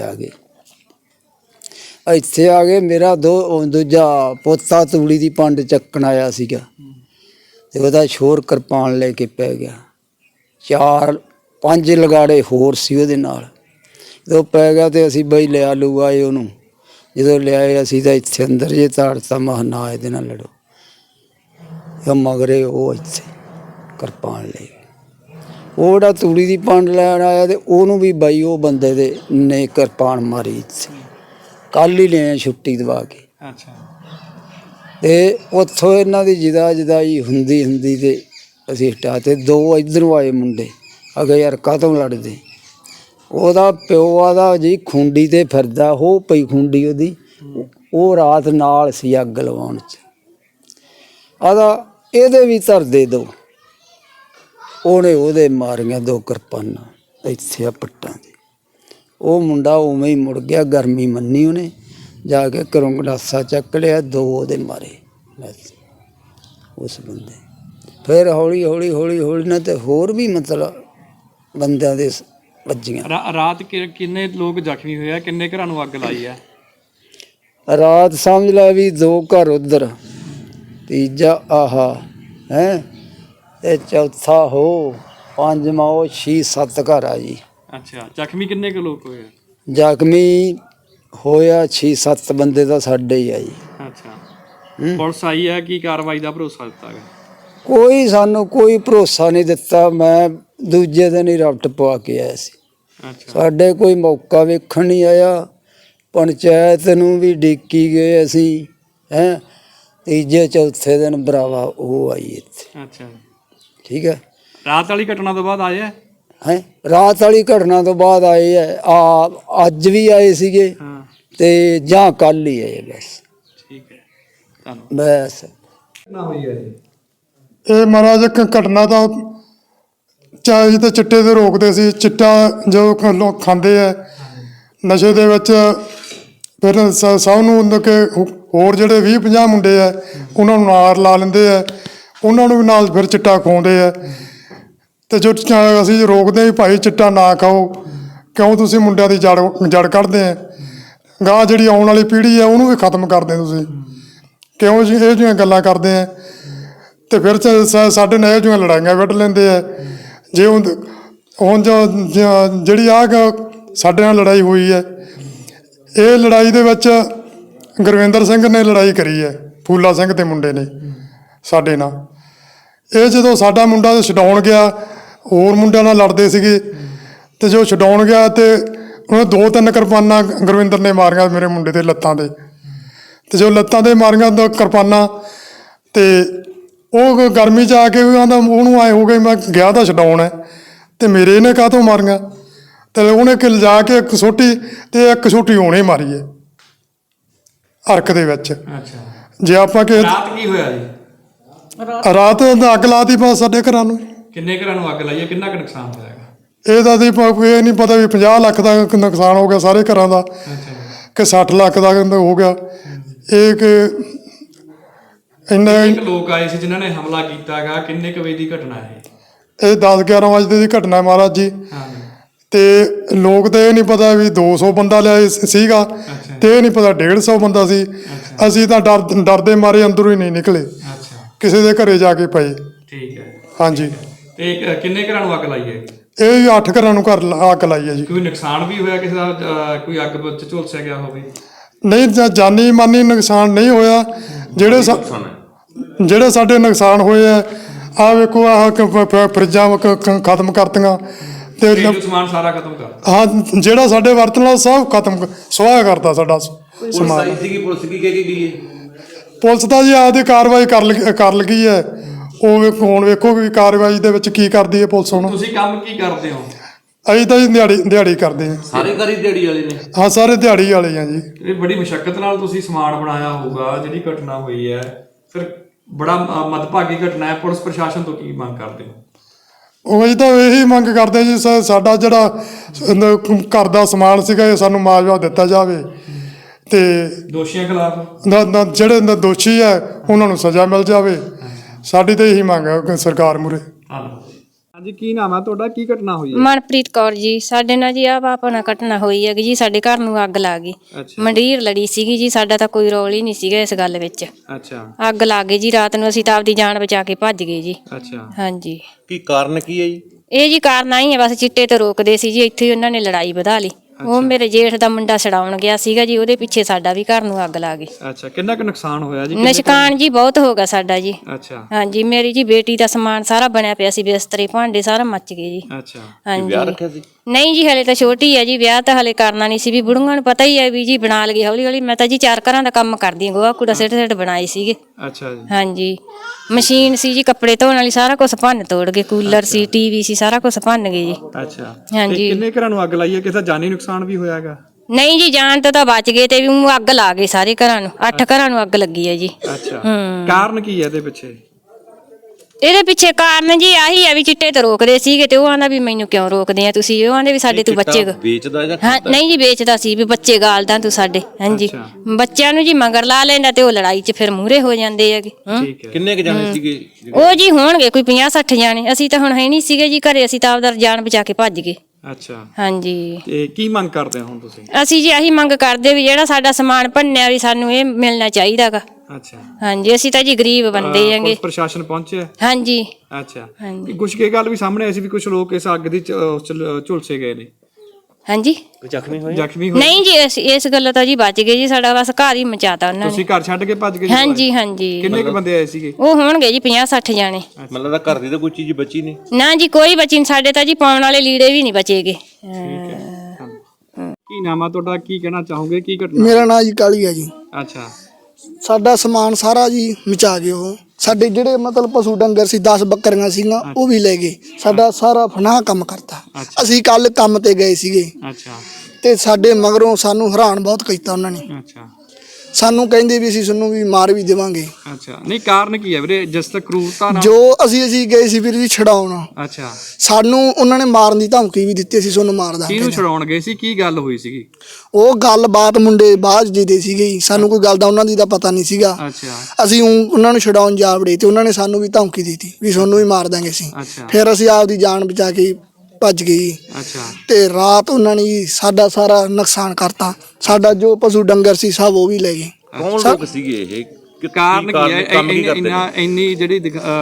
[SPEAKER 4] ਆ ਗਏ। ਮੇਰਾ ਦੂਜਾ ਪੋਤਾ ਤੂੜੀ ਦੀ ਪੰਡ ਚੱਕਣ ਆਇਆ ਸੀਗਾ ਤੇ ਉਹਦਾ ਸ਼ੋਰ ਕਿਰਪਾਨ ਲੈ ਕੇ ਪੈ ਗਿਆ। 4-5 ਲਗਾੜੇ ਹੋਰ ਸੀ ਉਹਦੇ ਨਾਲ। ਜਦੋਂ ਪੈ ਗਿਆ ਤੇ ਅਸੀਂ ਬਈ ਲਿਆ ਲੂ ਆਏ ਉਹਨੂੰ। ਜਦੋਂ ਲਿਆਏ ਅਸੀਂ ਤਾਂ ਇੱਥੇ ਅੰਦਰ ਜੇ ਤਾੜਤਾ, ਮਾ ਨਾ ਇਹਦੇ ਨਾਲ ਲੜੋ। ਮਗਰੇ ਉਹ ਇੱਥੇ ਕਿਰਪਾਨ ਲੈ ਗਏ। ਉਹ ਜਿਹੜਾ ਤੂੜੀ ਦੀ ਪੰਡ ਲੈਣ ਆਇਆ ਤੇ ਉਹਨੂੰ ਵੀ ਬਾਈ ਉਹ ਬੰਦੇ ਦੇ ਨੇ ਕਿਰਪਾਨ ਮਾਰੀ ਇੱਥੇ। ਕੱਲ੍ਹ ਹੀ ਲਿਆ ਛੁੱਟੀ ਦਵਾ ਕੇ। ਤੇ ਉੱਥੋਂ ਇਹਨਾਂ ਦੀ ਜਦਾਈ ਹੁੰਦੀ ਤੇ ਅਸੀਂ ਹਟਾ ਤੇ 2 ਇੱਧਰੋਂ ਆਏ ਮੁੰਡੇ। ਅਗੇ ਯਾਰ ਕਾਹਤੋਂ ਲੜਦੇ? ਉਹਦਾ ਪਿਓ ਆਦਾ ਜੀ ਖੁੰਡੀ ਤੇ ਫਿਰਦਾ, ਉਹ ਪਈ ਖੁੰਡੀ ਉਹਦੀ। ਉਹ ਰਾਤ ਨਾਲ ਸੀ ਅੱਗ ਲਵਾਉਣ 'ਚ। ਆਦਾ ਇਹਦੇ ਵੀ ਧਰ ਦੇ 2 ਉਹਨੇ ਉਹਦੇ ਮਾਰੀਆਂ 2 ਕਿਰਪਾਨਾਂ ਇੱਥੇ ਆ ਪੱਟਾਂ ਦੇ। ਉਹ ਮੁੰਡਾ ਉਵੇਂ ਹੀ ਮੁੜ ਗਿਆ, ਗਰਮੀ ਮੰਨੀ ਉਹਨੇ, ਜਾ ਕੇ ਘਰੋਂ ਗੰਡਾਸਾ ਚੱਕ ਲਿਆ, 2 ਉਹਦੇ ਮਾਰੇ ਬਸ ਉਸ ਬੰਦੇ। ਫਿਰ ਹੌਲੀ ਹੌਲੀ ਹੌਲੀ ਹੌਲੀ ਨਾ ਤੇ ਹੋਰ ਵੀ ਮਤਲਬ ਬੰਦਿਆਂ ਦੇ ਵੱਜੀਆਂ।
[SPEAKER 2] ਰਾਤ ਕਿੰਨੇ ਲੋਕ ਜ਼ਖਮੀ ਹੋਏ ਆ, ਕਿੰਨੇ ਘਰਾਂ ਨੂੰ ਅੱਗ ਲਾਈ ਆ?
[SPEAKER 4] ਰਾਤ ਸਮਝ ਲਾ ਵੀ 2 ਘਰ ਉਧਰ, ਤੀਜਾ ਆਹਾ ਹੈ ਤੇ ਚੌਥਾ ਹੋ, 5ਵਾਂ ਉਹ 6-7 ਘਰ ਆ ਜੀ।
[SPEAKER 2] ਅੱਛਾ, ਜ਼ਖਮੀ ਕਿੰਨੇ ਕੁ ਲੋਕ ਹੋਏ ਆ?
[SPEAKER 4] ਜ਼ਖਮੀ ਹੋਇਆ 6-7 ਬੰਦੇ ਤਾਂ ਸਾਡੇ ਹੀ ਆ ਜੀ।
[SPEAKER 2] ਅੱਛਾ, ਪੁਲਿਸ ਆਈ ਹੈ, ਕੀ ਕਾਰਵਾਈ ਦਾ ਭਰੋਸਾ ਦਿੱਤਾ ਗਿਆ?
[SPEAKER 4] ਕੋਈ ਸਾਨੂੰ ਕੋਈ ਭਰੋਸਾ ਨਹੀਂ ਦਿੱਤਾ। ਮੈਂ ਦੂਜੇ ਦਿਨ ਹੀ ਰਫਟ ਪਵਾ ਕੇ ਆਇਆ ਸੀ।
[SPEAKER 2] ਅੱਛਾ,
[SPEAKER 4] ਸਾਡੇ ਕੋਈ ਮੌਕਾ ਵੇਖਣ ਨਹੀਂ ਆਇਆ। ਪੰਚਾਇਤ ਨੂੰ ਵੀ ਡੀਕੀ ਗਏ ਅਸੀਂ, ਹੈਂ। ਤੀਜੇ ਚੌਥੇ ਦਿਨ ਭਰਾਵਾ ਉਹ ਆਈ ਇੱਥੇ।
[SPEAKER 2] ਅੱਛਾ,
[SPEAKER 4] ਠੀਕ ਹੈ।
[SPEAKER 2] ਰਾਤ ਵਾਲੀ ਘਟਨਾ ਤੋਂ ਬਾਅਦ ਆਏ ਆ?
[SPEAKER 4] ਹੈਂ, ਰਾਤ ਵਾਲੀ ਘਟਨਾ ਤੋਂ ਬਾਅਦ ਆਏ ਆ, ਅੱਜ ਵੀ ਆਏ ਸੀਗੇ
[SPEAKER 2] ਹਾਂ,
[SPEAKER 4] ਤੇ ਜਾਂ ਕੱਲ ਹੀ ਆਏ ਬਸ।
[SPEAKER 2] ਠੀਕ ਹੈ, ਧੰਨਵਾਦ।
[SPEAKER 4] ਬਸ
[SPEAKER 2] ਨਾ ਹੋਈ ਹੈ ਜੀ।
[SPEAKER 5] ਇਹ ਮਹਾਰਾਜ ਇੱਕ ਘਟਨਾ ਤਾਂ ਚਾਹੇ ਤਾਂ ਚਿੱਟੇ ਤੇ ਰੋਕਦੇ ਸੀ। ਚਿੱਟਾ ਜੋ ਲੋਕ ਖਾਂਦੇ ਆ ਨਸ਼ੇ ਦੇ ਵਿੱਚ, ਫਿਰ ਸਭ ਨੂੰ ਮਤਲਬ ਕਿ ਹੋਰ ਜਿਹੜੇ 20-50 ਮੁੰਡੇ ਆ ਉਹਨਾਂ ਨੂੰ ਨਾਰ ਲਾ ਲੈਂਦੇ ਆ, ਉਹਨਾਂ ਨੂੰ ਵੀ ਨਾਲ ਫਿਰ ਚਿੱਟਾ ਖਵਾਉਂਦੇ ਆ। ਤੇ ਜੋ ਅਸੀਂ ਰੋਕਦੇ ਵੀ ਭਾਈ ਚਿੱਟਾ ਨਾ ਖਾਓ, ਕਿਉਂ ਤੁਸੀਂ ਮੁੰਡਿਆਂ ਦੀ ਜੜ ਕੱਢਦੇ ਆ, ਗਾਂ ਜਿਹੜੀ ਆਉਣ ਵਾਲੀ ਪੀੜ੍ਹੀ ਆ ਉਹਨੂੰ ਵੀ ਖਤਮ ਕਰਦੇ ਤੁਸੀਂ, ਕਿਉਂ ਜੀ ਇਹ ਜਿਹੀਆਂ ਗੱਲਾਂ ਕਰਦੇ ਆ। ਤੇ ਫਿਰ ਸਾਡੇ ਨਾਲ ਇਹੋ ਜਿਹੀਆਂ ਲੜਾਈਆਂ ਵੱਢ ਲੈਂਦੇ ਆ। ਜੇ ਹੁਣ ਜਿਹੜੀ ਸਾਡੇ ਨਾਲ ਲੜਾਈ ਹੋਈ ਹੈ, ਇਹ ਲੜਾਈ ਦੇ ਵਿੱਚ ਗੁਰਵਿੰਦਰ ਸਿੰਘ ਨੇ ਲੜਾਈ ਕਰੀ ਹੈ, ਫੂਲਾ ਸਿੰਘ ਦੇ ਮੁੰਡੇ ਨੇ ਸਾਡੇ ਨਾਲ। ਇਹ ਜਦੋਂ ਸਾਡਾ ਮੁੰਡਾ ਛਡਾਉਣ ਗਿਆ, ਹੋਰ ਮੁੰਡਿਆਂ ਨਾਲ ਲੜਦੇ ਸੀਗੇ, ਤੇ ਜੋ ਛਡਾਉਣ ਗਿਆ ਤੇ ਉਹਨੇ 2-3 ਕਿਰਪਾਨਾਂ ਗੁਰਵਿੰਦਰ ਨੇ ਮਾਰੀਆਂ ਮੇਰੇ ਮੁੰਡੇ ਦੇ ਲੱਤਾਂ ਦੇ। ਤੇ ਜੋ ਲੱਤਾਂ ਦੇ ਮਾਰੀਆਂ ਕਿਰਪਾਨਾਂ, ਤੇ ਉਹ ਗਰਮੀ 'ਚ ਆ ਕੇ ਵੀ ਆਂਦਾ ਉਹਨੂੰ ਆਏ ਹੋ ਗਏ ਮੈਂ ਗਿਆ ਤਾਂ ਛਡਾਉਣ ਹੈ, ਤੇ ਮੇਰੇ ਇਹਨੇ ਕਾਹਤੋਂ ਮਾਰੀਆਂ। ਤੇ ਉਹਨੇ ਲਿਜਾ ਕੇ ਇੱਕ ਸੋਟੀ, ਤੇ ਇੱਕ ਸੋਟੀ ਉਹਨੇ ਮਾਰੀ ਹੈ ਹਰਕ ਦੇ ਵਿੱਚ।
[SPEAKER 2] ਅੱਛਾ,
[SPEAKER 5] ਜੇ ਆਪਾਂ ਕਿ
[SPEAKER 2] ਰਾਤ ਕੀ ਹੋਇਆ ਜੀ?
[SPEAKER 5] ਰਾਤ ਅੱਗ ਲਾਤੀ ਬਸ ਸਾਡੇ ਘਰਾਂ ਨੂੰ।
[SPEAKER 2] ਕਿੰਨੇ ਘਰਾਂ ਨੂੰ ਅੱਗ ਲਾਈ ਹੈ, ਕਿੰਨਾ ਕੁ ਨੁਕਸਾਨ ਹੋਇਆ ਹੈਗਾ?
[SPEAKER 5] ਇਹਦਾ ਦੀ ਇਹ ਨਹੀਂ ਪਤਾ ਵੀ 50 ਲੱਖ ਦਾ ਨੁਕਸਾਨ ਹੋ ਗਿਆ ਸਾਰੇ ਘਰਾਂ ਦਾ,
[SPEAKER 2] ਅੱਛਾ,
[SPEAKER 5] ਕਿ 60 ਲੱਖ ਦਾ ਹੋ ਗਿਆ। ਇਹ ਕਿ ਇੰਨਾ
[SPEAKER 2] ਕਿੰਨੇ ਕੁ ਲੋਕ ਆਏ ਸੀ ਜਿਨ੍ਹਾਂ ਨੇ ਹਮਲਾ ਕੀਤਾ ਹੈਗਾ? ਕਿੰਨੇ ਕੁ ਵਜੇ ਦੀ ਘਟਨਾ ਹੈ
[SPEAKER 5] ਇਹ 10-11 ਵਜੇ ਦੀ ਘਟਨਾ ਹੈ ਮਹਾਰਾਜ ਜੀ।
[SPEAKER 2] ਹਾਂ,
[SPEAKER 5] ਤੇ ਲੋਕ ਤਾਂ ਇਹ ਨਹੀਂ ਪਤਾ ਵੀ 200 ਬੰਦਾ ਲਿਆ ਸੀਗਾ,
[SPEAKER 2] ਅੱਛਾ,
[SPEAKER 5] ਤੇ ਇਹ ਨਹੀਂ ਪਤਾ 150 ਬੰਦਾ ਸੀ।
[SPEAKER 2] ਅੱਛਾ,
[SPEAKER 5] ਅਸੀਂ ਤਾਂ ਡਰਦੇ ਮਾਰੇ ਅੰਦਰੋਂ ਹੀ ਨਹੀਂ ਨਿਕਲੇ,
[SPEAKER 2] ਅੱਛਾ,
[SPEAKER 5] ਕਿਸੇ ਦੇ ਘਰੇ ਜਾ ਕੇ ਪਏ।
[SPEAKER 2] ਠੀਕ ਹੈ।
[SPEAKER 5] ਹਾਂਜੀ,
[SPEAKER 2] ਤੇ ਕਿੰਨੇ ਘਰਾਂ ਨੂੰ ਅੱਗ ਲਾਈ ਹੈ?
[SPEAKER 5] ਇਹ 8 ਘਰਾਂ ਨੂੰ ਅੱਗ ਲਾਈ ਹੈ ਜੀ।
[SPEAKER 2] ਕੋਈ ਨੁਕਸਾਨ ਵੀ ਹੋਇਆ ਕਿਸੇ ਦਾ? ਕੋਈ ਅੱਗ ਵਿੱਚ ਝੁਲਸਿਆ ਗਿਆ ਹੋਵੇ?
[SPEAKER 5] ਨਹੀਂ, ਜਾਨੀ ਮਾਨੀ ਨੁਕਸਾਨ ਨਹੀਂ ਹੋਇਆ। ਜਿਹੜੇ ਸਾਡੇ ਨੁਕਸਾਨ ਹੋਏ ਆ ਵੇਖੋ, ਫਰਿੱਜਾਂ ਖਤਮ ਕਰਤੀਆਂ, ਤੇ
[SPEAKER 2] ਘਰੇਲੂ ਸਮਾਨ ਸਾਰਾ ਖਤਮ ਕਰ।
[SPEAKER 5] ਹਾਂ, ਜਿਹੜਾ ਸਾਡੇ ਵਰਤਣ ਵਾਲਾ ਸਭ ਖਤਮ ਸੁਆਹ ਕਰਤਾ ਸਾਡਾ ਸਮਾਨ।
[SPEAKER 6] ਪੁਲਿਸ ਕੀ ਕਹਿ ਕੇ ਗਈ ਹੈ?
[SPEAKER 5] ਪੁਲਿਸ ਤਾਂ ਜੀ ਆਪਦੀ ਕਾਰਵਾਈ ਕਰ ਲੱਗੀ ਹੈ। ਉਹ ਵੇਖੋ, ਹੁਣ ਵੇਖੋ ਵੀ ਕਾਰਵਾਈ ਦੇ ਵਿੱਚ ਕੀ ਕਰਦੀ ਹੈ ਪੁਲਿਸ ਹੁਣ।
[SPEAKER 2] ਤੁਸੀਂ ਕੰਮ ਕੀ ਕਰਦੇ ਹੋ?
[SPEAKER 5] ਅਸੀਂ ਤਾਂ ਜੀ ਦਿਹਾੜੀ ਕਰਦੇ ਹਾਂ।
[SPEAKER 6] ਸਾਰੇ ਘਰ ਹੀ ਦਿਹਾੜੀ ਵਾਲੇ ਨੇ?
[SPEAKER 5] ਹਾਂ, ਸਾਰੇ ਦਿਹਾੜੀ ਵਾਲੇ ਆ ਜੀ।
[SPEAKER 2] ਇਹ ਬੜੀ ਮੁਸ਼ਕਲ ਨਾਲ ਤੁਸੀਂ ਸਮਾਨ ਬਣਾਇਆ ਹੋਊਗਾ, ਜਿਹੜੀ ਘਟਨਾ ਹੋਈ ਹੈ, ਫਿਰ ਬੜਾ ਮਦਭਾਗੀ ਘਟਨਾ ਹੈ। ਪੁਲਿਸ ਪ੍ਰਸ਼ਾਸਨ ਤੋਂ ਕੀ ਮੰਗ ਕਰਦੇ ਹੋ?
[SPEAKER 5] ਉਹ ਜੀ ਤਾਂ ਇਹੀ ਮੰਗ ਕਰਦੇ ਜੀ, ਸਾਡਾ ਜਿਹੜਾ ਘਰ ਦਾ ਸਮਾਨ ਸੀਗਾ ਇਹ ਸਾਨੂੰ ਮੁਆਵਜ਼ਾ ਦਿੱਤਾ ਜਾਵੇ, ਤੇ
[SPEAKER 2] ਦੋਸ਼ੀਆਂ ਖਿਲਾਫ
[SPEAKER 5] ਜਿਹੜੇ ਦੋਸ਼ੀ ਹੈ ਉਹਨਾਂ ਨੂੰ ਸਜ਼ਾ ਮਿਲ ਜਾਵੇ। ਸਾਡੀ ਤਾਂ ਇਹੀ ਮੰਗ ਹੈ ਸਰਕਾਰ ਮੂਹਰੇ।
[SPEAKER 2] ਧੰਨਵਾਦ। ਹਾਂਜੀ, ਕੀ ਨਾਮ ਹੈ ਤੁਹਾਡਾ? ਕੀ ਘਟਨਾ ਹੋਈ ਹੈ?
[SPEAKER 7] ਮਨਪ੍ਰੀਤ ਕੌਰ ਜੀ। ਸਾਡੇ ਨਾਲ ਜੀ ਆਹ ਆਪਣਾ ਘਟਨਾ ਹੋਈ ਹੈਗੀ ਜੀ, ਸਾਡੇ ਘਰ ਨੂੰ ਅੱਗ ਲਾ ਗਈ।
[SPEAKER 2] ਅੱਛਾ,
[SPEAKER 7] ਮੰਡੀਰ ਲੜੀ ਸੀਗੀ ਜੀ, ਸਾਡਾ ਤਾਂ ਕੋਈ ਰੋਲ ਹੀ ਨਹੀਂ ਸੀਗਾ ਇਸ ਗੱਲ ਵਿੱਚ।
[SPEAKER 2] ਅੱਛਾ,
[SPEAKER 7] ਅੱਗ ਲੱਗ ਗਈ ਜੀ ਰਾਤ ਨੂੰ, ਅਸੀਂ ਤਾਂ ਆਪਦੀ ਜਾਨ ਬਚਾ ਕੇ ਭੱਜ ਗਏ ਜੀ।
[SPEAKER 2] ਅੱਛਾ,
[SPEAKER 7] ਹਾਂਜੀ,
[SPEAKER 6] ਕੀ ਕਾਰਨ ਕੀ ਹੈ ਜੀ?
[SPEAKER 7] ਇਹ ਜੀ ਕਾਰਨ ਆਈ ਹੈ ਬਸ, ਚਿੱਟੇ ਤੋਂ ਰੋਕਦੇ ਸੀ ਜੀ, ਇੱਥੇ ਹੀ ਉਹਨਾਂ ਨੇ ਲੜਾਈ ਵਧਾ ਲਈ। ਉਹ ਮੇਰੇ ਜੇਠ ਦਾ ਮੁੰਡਾ ਛਡਾਉਣ ਗਿਆ ਸੀਗਾ ਜੀ, ਉਹਦੇ ਪਿੱਛੇ ਸਾਡਾ ਵੀ ਘਰ ਨੂੰ ਅੱਗ ਲਾ ਗਈ।
[SPEAKER 2] ਅੱਛਾ, ਕਿੰਨਾ ਕੁ ਨੁਕਸਾਨ ਹੋਇਆ ਜੀ?
[SPEAKER 7] ਨੁਕਸਾਨ ਜੀ ਬਹੁਤ ਹੋ ਗਿਆ ਸਾਡਾ ਜੀ।
[SPEAKER 2] ਅੱਛਾ,
[SPEAKER 7] ਹਾਂਜੀ, ਮੇਰੀ ਜੀ ਬੇਟੀ ਦਾ ਸਮਾਨ ਸਾਰਾ ਬਣਿਆ ਪਿਆ ਸੀ, ਬਿਸਤਰੇ ਭਾਂਡੇ ਸਾਰਾ ਮੱਚ ਗਏ ਜੀ।
[SPEAKER 2] ਅੱਛਾ,
[SPEAKER 7] ਹਾਂਜੀ,
[SPEAKER 6] ਵਿਆਹ ਰੱਖਿਆ ਸੀ?
[SPEAKER 7] ਨਹੀਂ ਜੀ, ਹਲੇ ਤਾਂ ਛੋਟੀ ਹੈ ਜੀ, ਵਿਆਹ ਤਾਂ ਹਲੇ ਕਰਨਾ ਨਹੀਂ ਸੀ। ਵੀ ਬੁੜੀਆਂ ਨੂੰ ਪਤਾ ਹੀ ਹੈ ਵੀ ਜੀ ਬਣਾ ਲਈਏ ਹੌਲੀ ਹੌਲੀ। ਮੈਂ ਤਾਂ ਜੀ 4 ਘਰਾਂ ਦਾ ਕੰਮ ਕਰਦੀ ਹਾਂ, ਗੋਹਾ ਕੂੜਾ ਸਿੱਟ ਬਣਾਏ ਸੀਗੇ।
[SPEAKER 2] ਅੱਛਾ ਜੀ,
[SPEAKER 7] ਹਾਂਜੀ, ਮਸ਼ੀਨ ਸੀ ਜੀ ਕੱਪੜੇ ਧੋਣ ਵਾਲੀ, ਸਾਰਾ ਕੁਝ ਭੰਨ ਤੋੜ ਗਏ। ਕੂਲਰ ਸੀ, ਟੀਵੀ ਸੀ, ਸਾਰਾ ਕੁਝ ਭੰਨ ਗਏ ਜੀ।
[SPEAKER 2] ਅੱਛਾ।
[SPEAKER 7] ਹਾਂਜੀ।
[SPEAKER 2] ਕਿੰਨੇ ਘਰਾਂ ਨੂੰ ਅੱਗ ਲਾਈ ਹੈ? ਕਿਸੇ ਦਾ ਜਾਨੀ ਨੁਕਸਾਨ ਵੀ ਹੋਇਆ ਹੈਗਾ?
[SPEAKER 7] ਨਹੀਂ ਜੀ, ਜਾਨ ਤੋਂ ਤਾਂ ਬਚ ਗਏ, ਤੇ ਵੀ ਊਂ ਅੱਗ ਲਾ ਗਏ ਸਾਰੇ ਘਰਾਂ ਨੂੰ। 8 ਘਰਾਂ ਨੂੰ ਅੱਗ ਲੱਗੀ ਹੈ ਜੀ।
[SPEAKER 2] ਅੱਛਾ, ਕਾਰਨ ਕੀ ਹੈ ਇਹਦੇ ਪਿੱਛੇ?
[SPEAKER 7] ਇਹਦੇ ਪਿੱਛੇ ਕਾਰਨ ਜੀ ਆਹੀ ਆ ਵੀ ਚਿੱਟੇ ਤੇ ਰੋਕਦੇ ਸੀਗੇ ਤੇ ਉਹ ਆਂਦਾ ਵੀ ਮੈਨੂੰ ਕਿਉਂ ਰੋਕਦੇ ਆ ਤੁਸੀਂ, ਉਹ ਆਂਦੇ ਵੀ ਸਾਡੇ ਤੂੰ ਬੱਚੇ
[SPEAKER 6] ਵੇਚਦਾ ਜਾਂ
[SPEAKER 7] ਹਾਂ ਨਹੀਂ ਜੀ ਵੇਚਦਾ ਸੀ ਵੀ ਬੱਚੇ ਗਾਲਦਾ ਤੂੰ ਸਾਡੇ। ਹਾਂਜੀ ਬੱਚਿਆਂ ਨੂੰ ਜੀ ਮਗਰ ਲਾ ਲੈਂਦਾ ਤੇ ਉਹ ਲੜਾਈ 'ਚ ਫਿਰ ਮੂਹਰੇ ਹੋ ਜਾਂਦੇ ਹੈਗੇ।
[SPEAKER 2] ਠੀਕ ਹੈ।
[SPEAKER 6] ਕਿੰਨੇ ਕ ਜਾਣੇ ਸੀਗੇ?
[SPEAKER 7] ਉਹ ਜੀ ਹੋਣਗੇ ਕੋਈ 50-60 ਜਾਣੇ, ਅਸੀਂ ਤਾਂ ਹੁਣ ਹੈ ਨਹੀਂ ਸੀਗੇ ਜੀ ਘਰੇ, ਅਸੀਂ ਤਾਂ ਆਪਦਾ ਜਾਨ ਬਚਾ ਕੇ ਭੱਜ ਗਏ।
[SPEAKER 2] ਅੱਛਾ,
[SPEAKER 7] ਹਾਂਜੀ
[SPEAKER 2] ਤੇ ਕੀ ਮੰਗ ਕਰਦੇ ਹੋ ਹੁਣ ਤੁਸੀਂ?
[SPEAKER 7] ਅਸੀਂ ਜੀ ਆਹੀ ਮੰਗ ਕਰਦੇ ਵੀ ਜਿਹੜਾ ਸਾਡਾ ਸਮਾਨ ਭੰਨਿਆ ਵੀ ਸਾਨੂੰ ਇਹ ਮਿਲਣਾ ਚਾਹੀਦਾਗਾ।
[SPEAKER 2] ਅੱਛਾ,
[SPEAKER 7] ਹਾਂਜੀ ਅਸੀਂ ਤਾਂ ਜੀ ਗਰੀਬ ਬੰਦੇ ਹੈਗੇ।
[SPEAKER 2] ਪੁਲਿਸ ਪ੍ਰਸ਼ਾਸਨ ਪਹੁੰਚਿਆ?
[SPEAKER 7] ਹਾਂਜੀ
[SPEAKER 2] ਅੱਛਾ,
[SPEAKER 7] ਹਾਂਜੀ
[SPEAKER 2] ਕੁਝ ਕੀ ਗੱਲ ਵੀ ਸਾਹਮਣੇ ਆਈ ਸੀ ਵੀ ਕੁਝ ਲੋਕ ਇਸ ਅੱਗ ਦੀ ਝੁਲਸੇ ਗਏ ਨੇ,
[SPEAKER 7] ਹਾਂਜੀ
[SPEAKER 2] ਜ਼ਖਮੀ ਹੋਏ?
[SPEAKER 7] ਨਹੀਂ ਜੀ ਇਸ ਗੱਲੋਂ ਤਾਂ ਜੀ ਬਚ ਗਏ ਜੀ, ਸਾਡਾ ਬਸ ਘਰ ਹੀ ਮਚਾਤਾ ਉਹਨਾਂ ਨੇ।
[SPEAKER 2] ਤੁਸੀਂ ਘਰ ਛੱਡ ਕੇ ਭੱਜ ਗਏ ਜੀ?
[SPEAKER 7] ਹਾਂਜੀ ਹਾਂਜੀ
[SPEAKER 2] ਕਿੰਨੇ ਕੁ ਬੰਦੇ ਆਏ ਸੀਗੇ?
[SPEAKER 7] ਉਹ ਹੋਣਗੇ ਜੀ 50-60 ਜਾਣੇ।
[SPEAKER 6] ਮਤਲਬ ਦਾ ਘਰ ਦੀ ਤਾਂ ਕੋਈ ਚੀਜ਼ ਬਚੀ ਨਹੀਂ?
[SPEAKER 7] ਨਾ ਜੀ ਕੋਈ ਬਚੀ ਨੀ, ਸਾਡੇ ਤਾਂ ਜੀ ਪਾਉਣ ਵਾਲੇ ਲੀੜੇ ਵੀ ਨਹੀਂ ਬਚੇਗੇ।
[SPEAKER 2] ਕੀ ਨਾਮ ਆ ਤੁਹਾਡਾ, ਕੀ ਕਹਿਣਾ ਚਾਹੋਗੇ, ਕੀ ਘਟਨਾ?
[SPEAKER 8] ਮੇਰਾ ਨਾਂ ਜੀ ਕਾਲੀ ਹੈ ਜੀ।
[SPEAKER 2] ਅੱਛਾ,
[SPEAKER 8] ਸਾਡਾ ਸਮਾਨ ਸਾਰਾ ਜੀ ਮਚਾ ਗਏ ਉਹ। ਸਾਡੇ ਜਿਹੜੇ ਮਤਲਬ ਪਸ਼ੂ ਡੰਗਰ ਸੀ 10 ਬੱਕਰੀਆਂ ਸੀਗੀਆਂ ਉਹ ਵੀ ਲੈ ਗਏ। ਸਾਡਾ ਸਾਰਾ ਫਨਾਹ ਕੰਮ ਕਰਤਾ। ਅਸੀਂ ਕੱਲ ਕੰਮ ਤੇ ਗਏ ਸੀਗੇ
[SPEAKER 2] ਅੱਛਾ,
[SPEAKER 8] ਤੇ ਸਾਡੇ ਮਗਰੋਂ ਸਾਨੂੰ ਹੈਰਾਨ ਬਹੁਤ ਕੀਤਾ ਉਹਨਾਂ ਨੇ।
[SPEAKER 2] ਅੱਛਾ,
[SPEAKER 8] ਸਾਨੂੰ ਕਹਿੰਦੇ ਵੀ ਅਸੀਂ ਤੁਹਾਨੂੰ ਵੀ ਮਾਰ ਵੀ ਦੇਵਾਂਗੇ।
[SPEAKER 2] ਅੱਛਾ। ਨਹੀਂ ਕਾਰਨ ਕੀ ਹੈ ਵੀਰੇ, ਜਿਸ ਤੱਕ ਕਰੂਰਤਾ ਨਾਲ?
[SPEAKER 8] ਜੋ ਅਸੀਂ ਗਏ ਸੀ ਵੀਰ ਜੀ ਛਡਾਉਣ,
[SPEAKER 2] ਅੱਛਾ,
[SPEAKER 8] ਸਾਨੂੰ ਉਹਨਾਂ ਨੇ ਮਾਰਨ ਦੀ ਧਮਕੀ ਵੀ ਦਿੱਤੀ, ਅਸੀਂ ਤੁਹਾਨੂੰ ਮਾਰ ਦਾਂਗੇ।
[SPEAKER 2] ਕਿਹਨੂੰ ਛਡਾਉਣ ਗਏ ਸੀ, ਕੀ ਗੱਲ ਹੋਈ ਸੀਗੀ?
[SPEAKER 8] ਉਹ ਗੱਲਬਾਤ ਮੁੰਡੇ ਬਾਅਦ ਜੀ ਦੇ ਸੀਗੇ ਜੀ, ਸਾਨੂੰ ਕੋਈ ਗੱਲ ਦਾ ਉਹਨਾਂ ਦੀ ਤਾਂ ਪਤਾ ਨਹੀਂ ਸੀਗਾ।
[SPEAKER 2] ਅੱਛਾ,
[SPEAKER 8] ਅਸੀਂ ਉਹਨਾਂ ਨੂੰ ਛਡਾਉਣ ਜਾ ਵੜੇ ਤੇ ਉਹਨਾਂ ਨੇ ਸਾਨੂੰ ਵੀ ਧਮਕੀ ਦਿੱਤੀ ਵੀ ਤੁਹਾਨੂੰ ਵੀ ਮਾਰ ਦਾਂਗੇ ਅਸੀਂ।
[SPEAKER 2] ਅੱਛਾ,
[SPEAKER 8] ਫਿਰ ਅਸੀਂ ਆਪਦੀ ਜਾਨ ਬਚਾ ਕੇ ਭੱਜ ਗਏ
[SPEAKER 2] ਅੱਛਾ,
[SPEAKER 8] ਤੇ ਰਾਤ ਉਹਨਾਂ ਨੇ ਜੀ ਸਾਡਾ ਸਾਰਾ ਨੁਕਸਾਨ ਕਰਤਾ। ਸਾਡਾ ਜੋ ਪਸ਼ੂ ਡੰਗਰ ਸੀ ਸਭ ਉਹ ਵੀ ਲੈ ਗਏ।
[SPEAKER 6] ਕੌਣ ਲੋਕ ਸੀਗੇ ਇਹ?
[SPEAKER 2] ਕਾਰਨ ਕੀ ਹੈ?
[SPEAKER 6] ਕੰਮ ਕੀ ਕਰਦੇ ਨੇ?
[SPEAKER 2] ਇੰਨੀ ਜਿਹੜੀ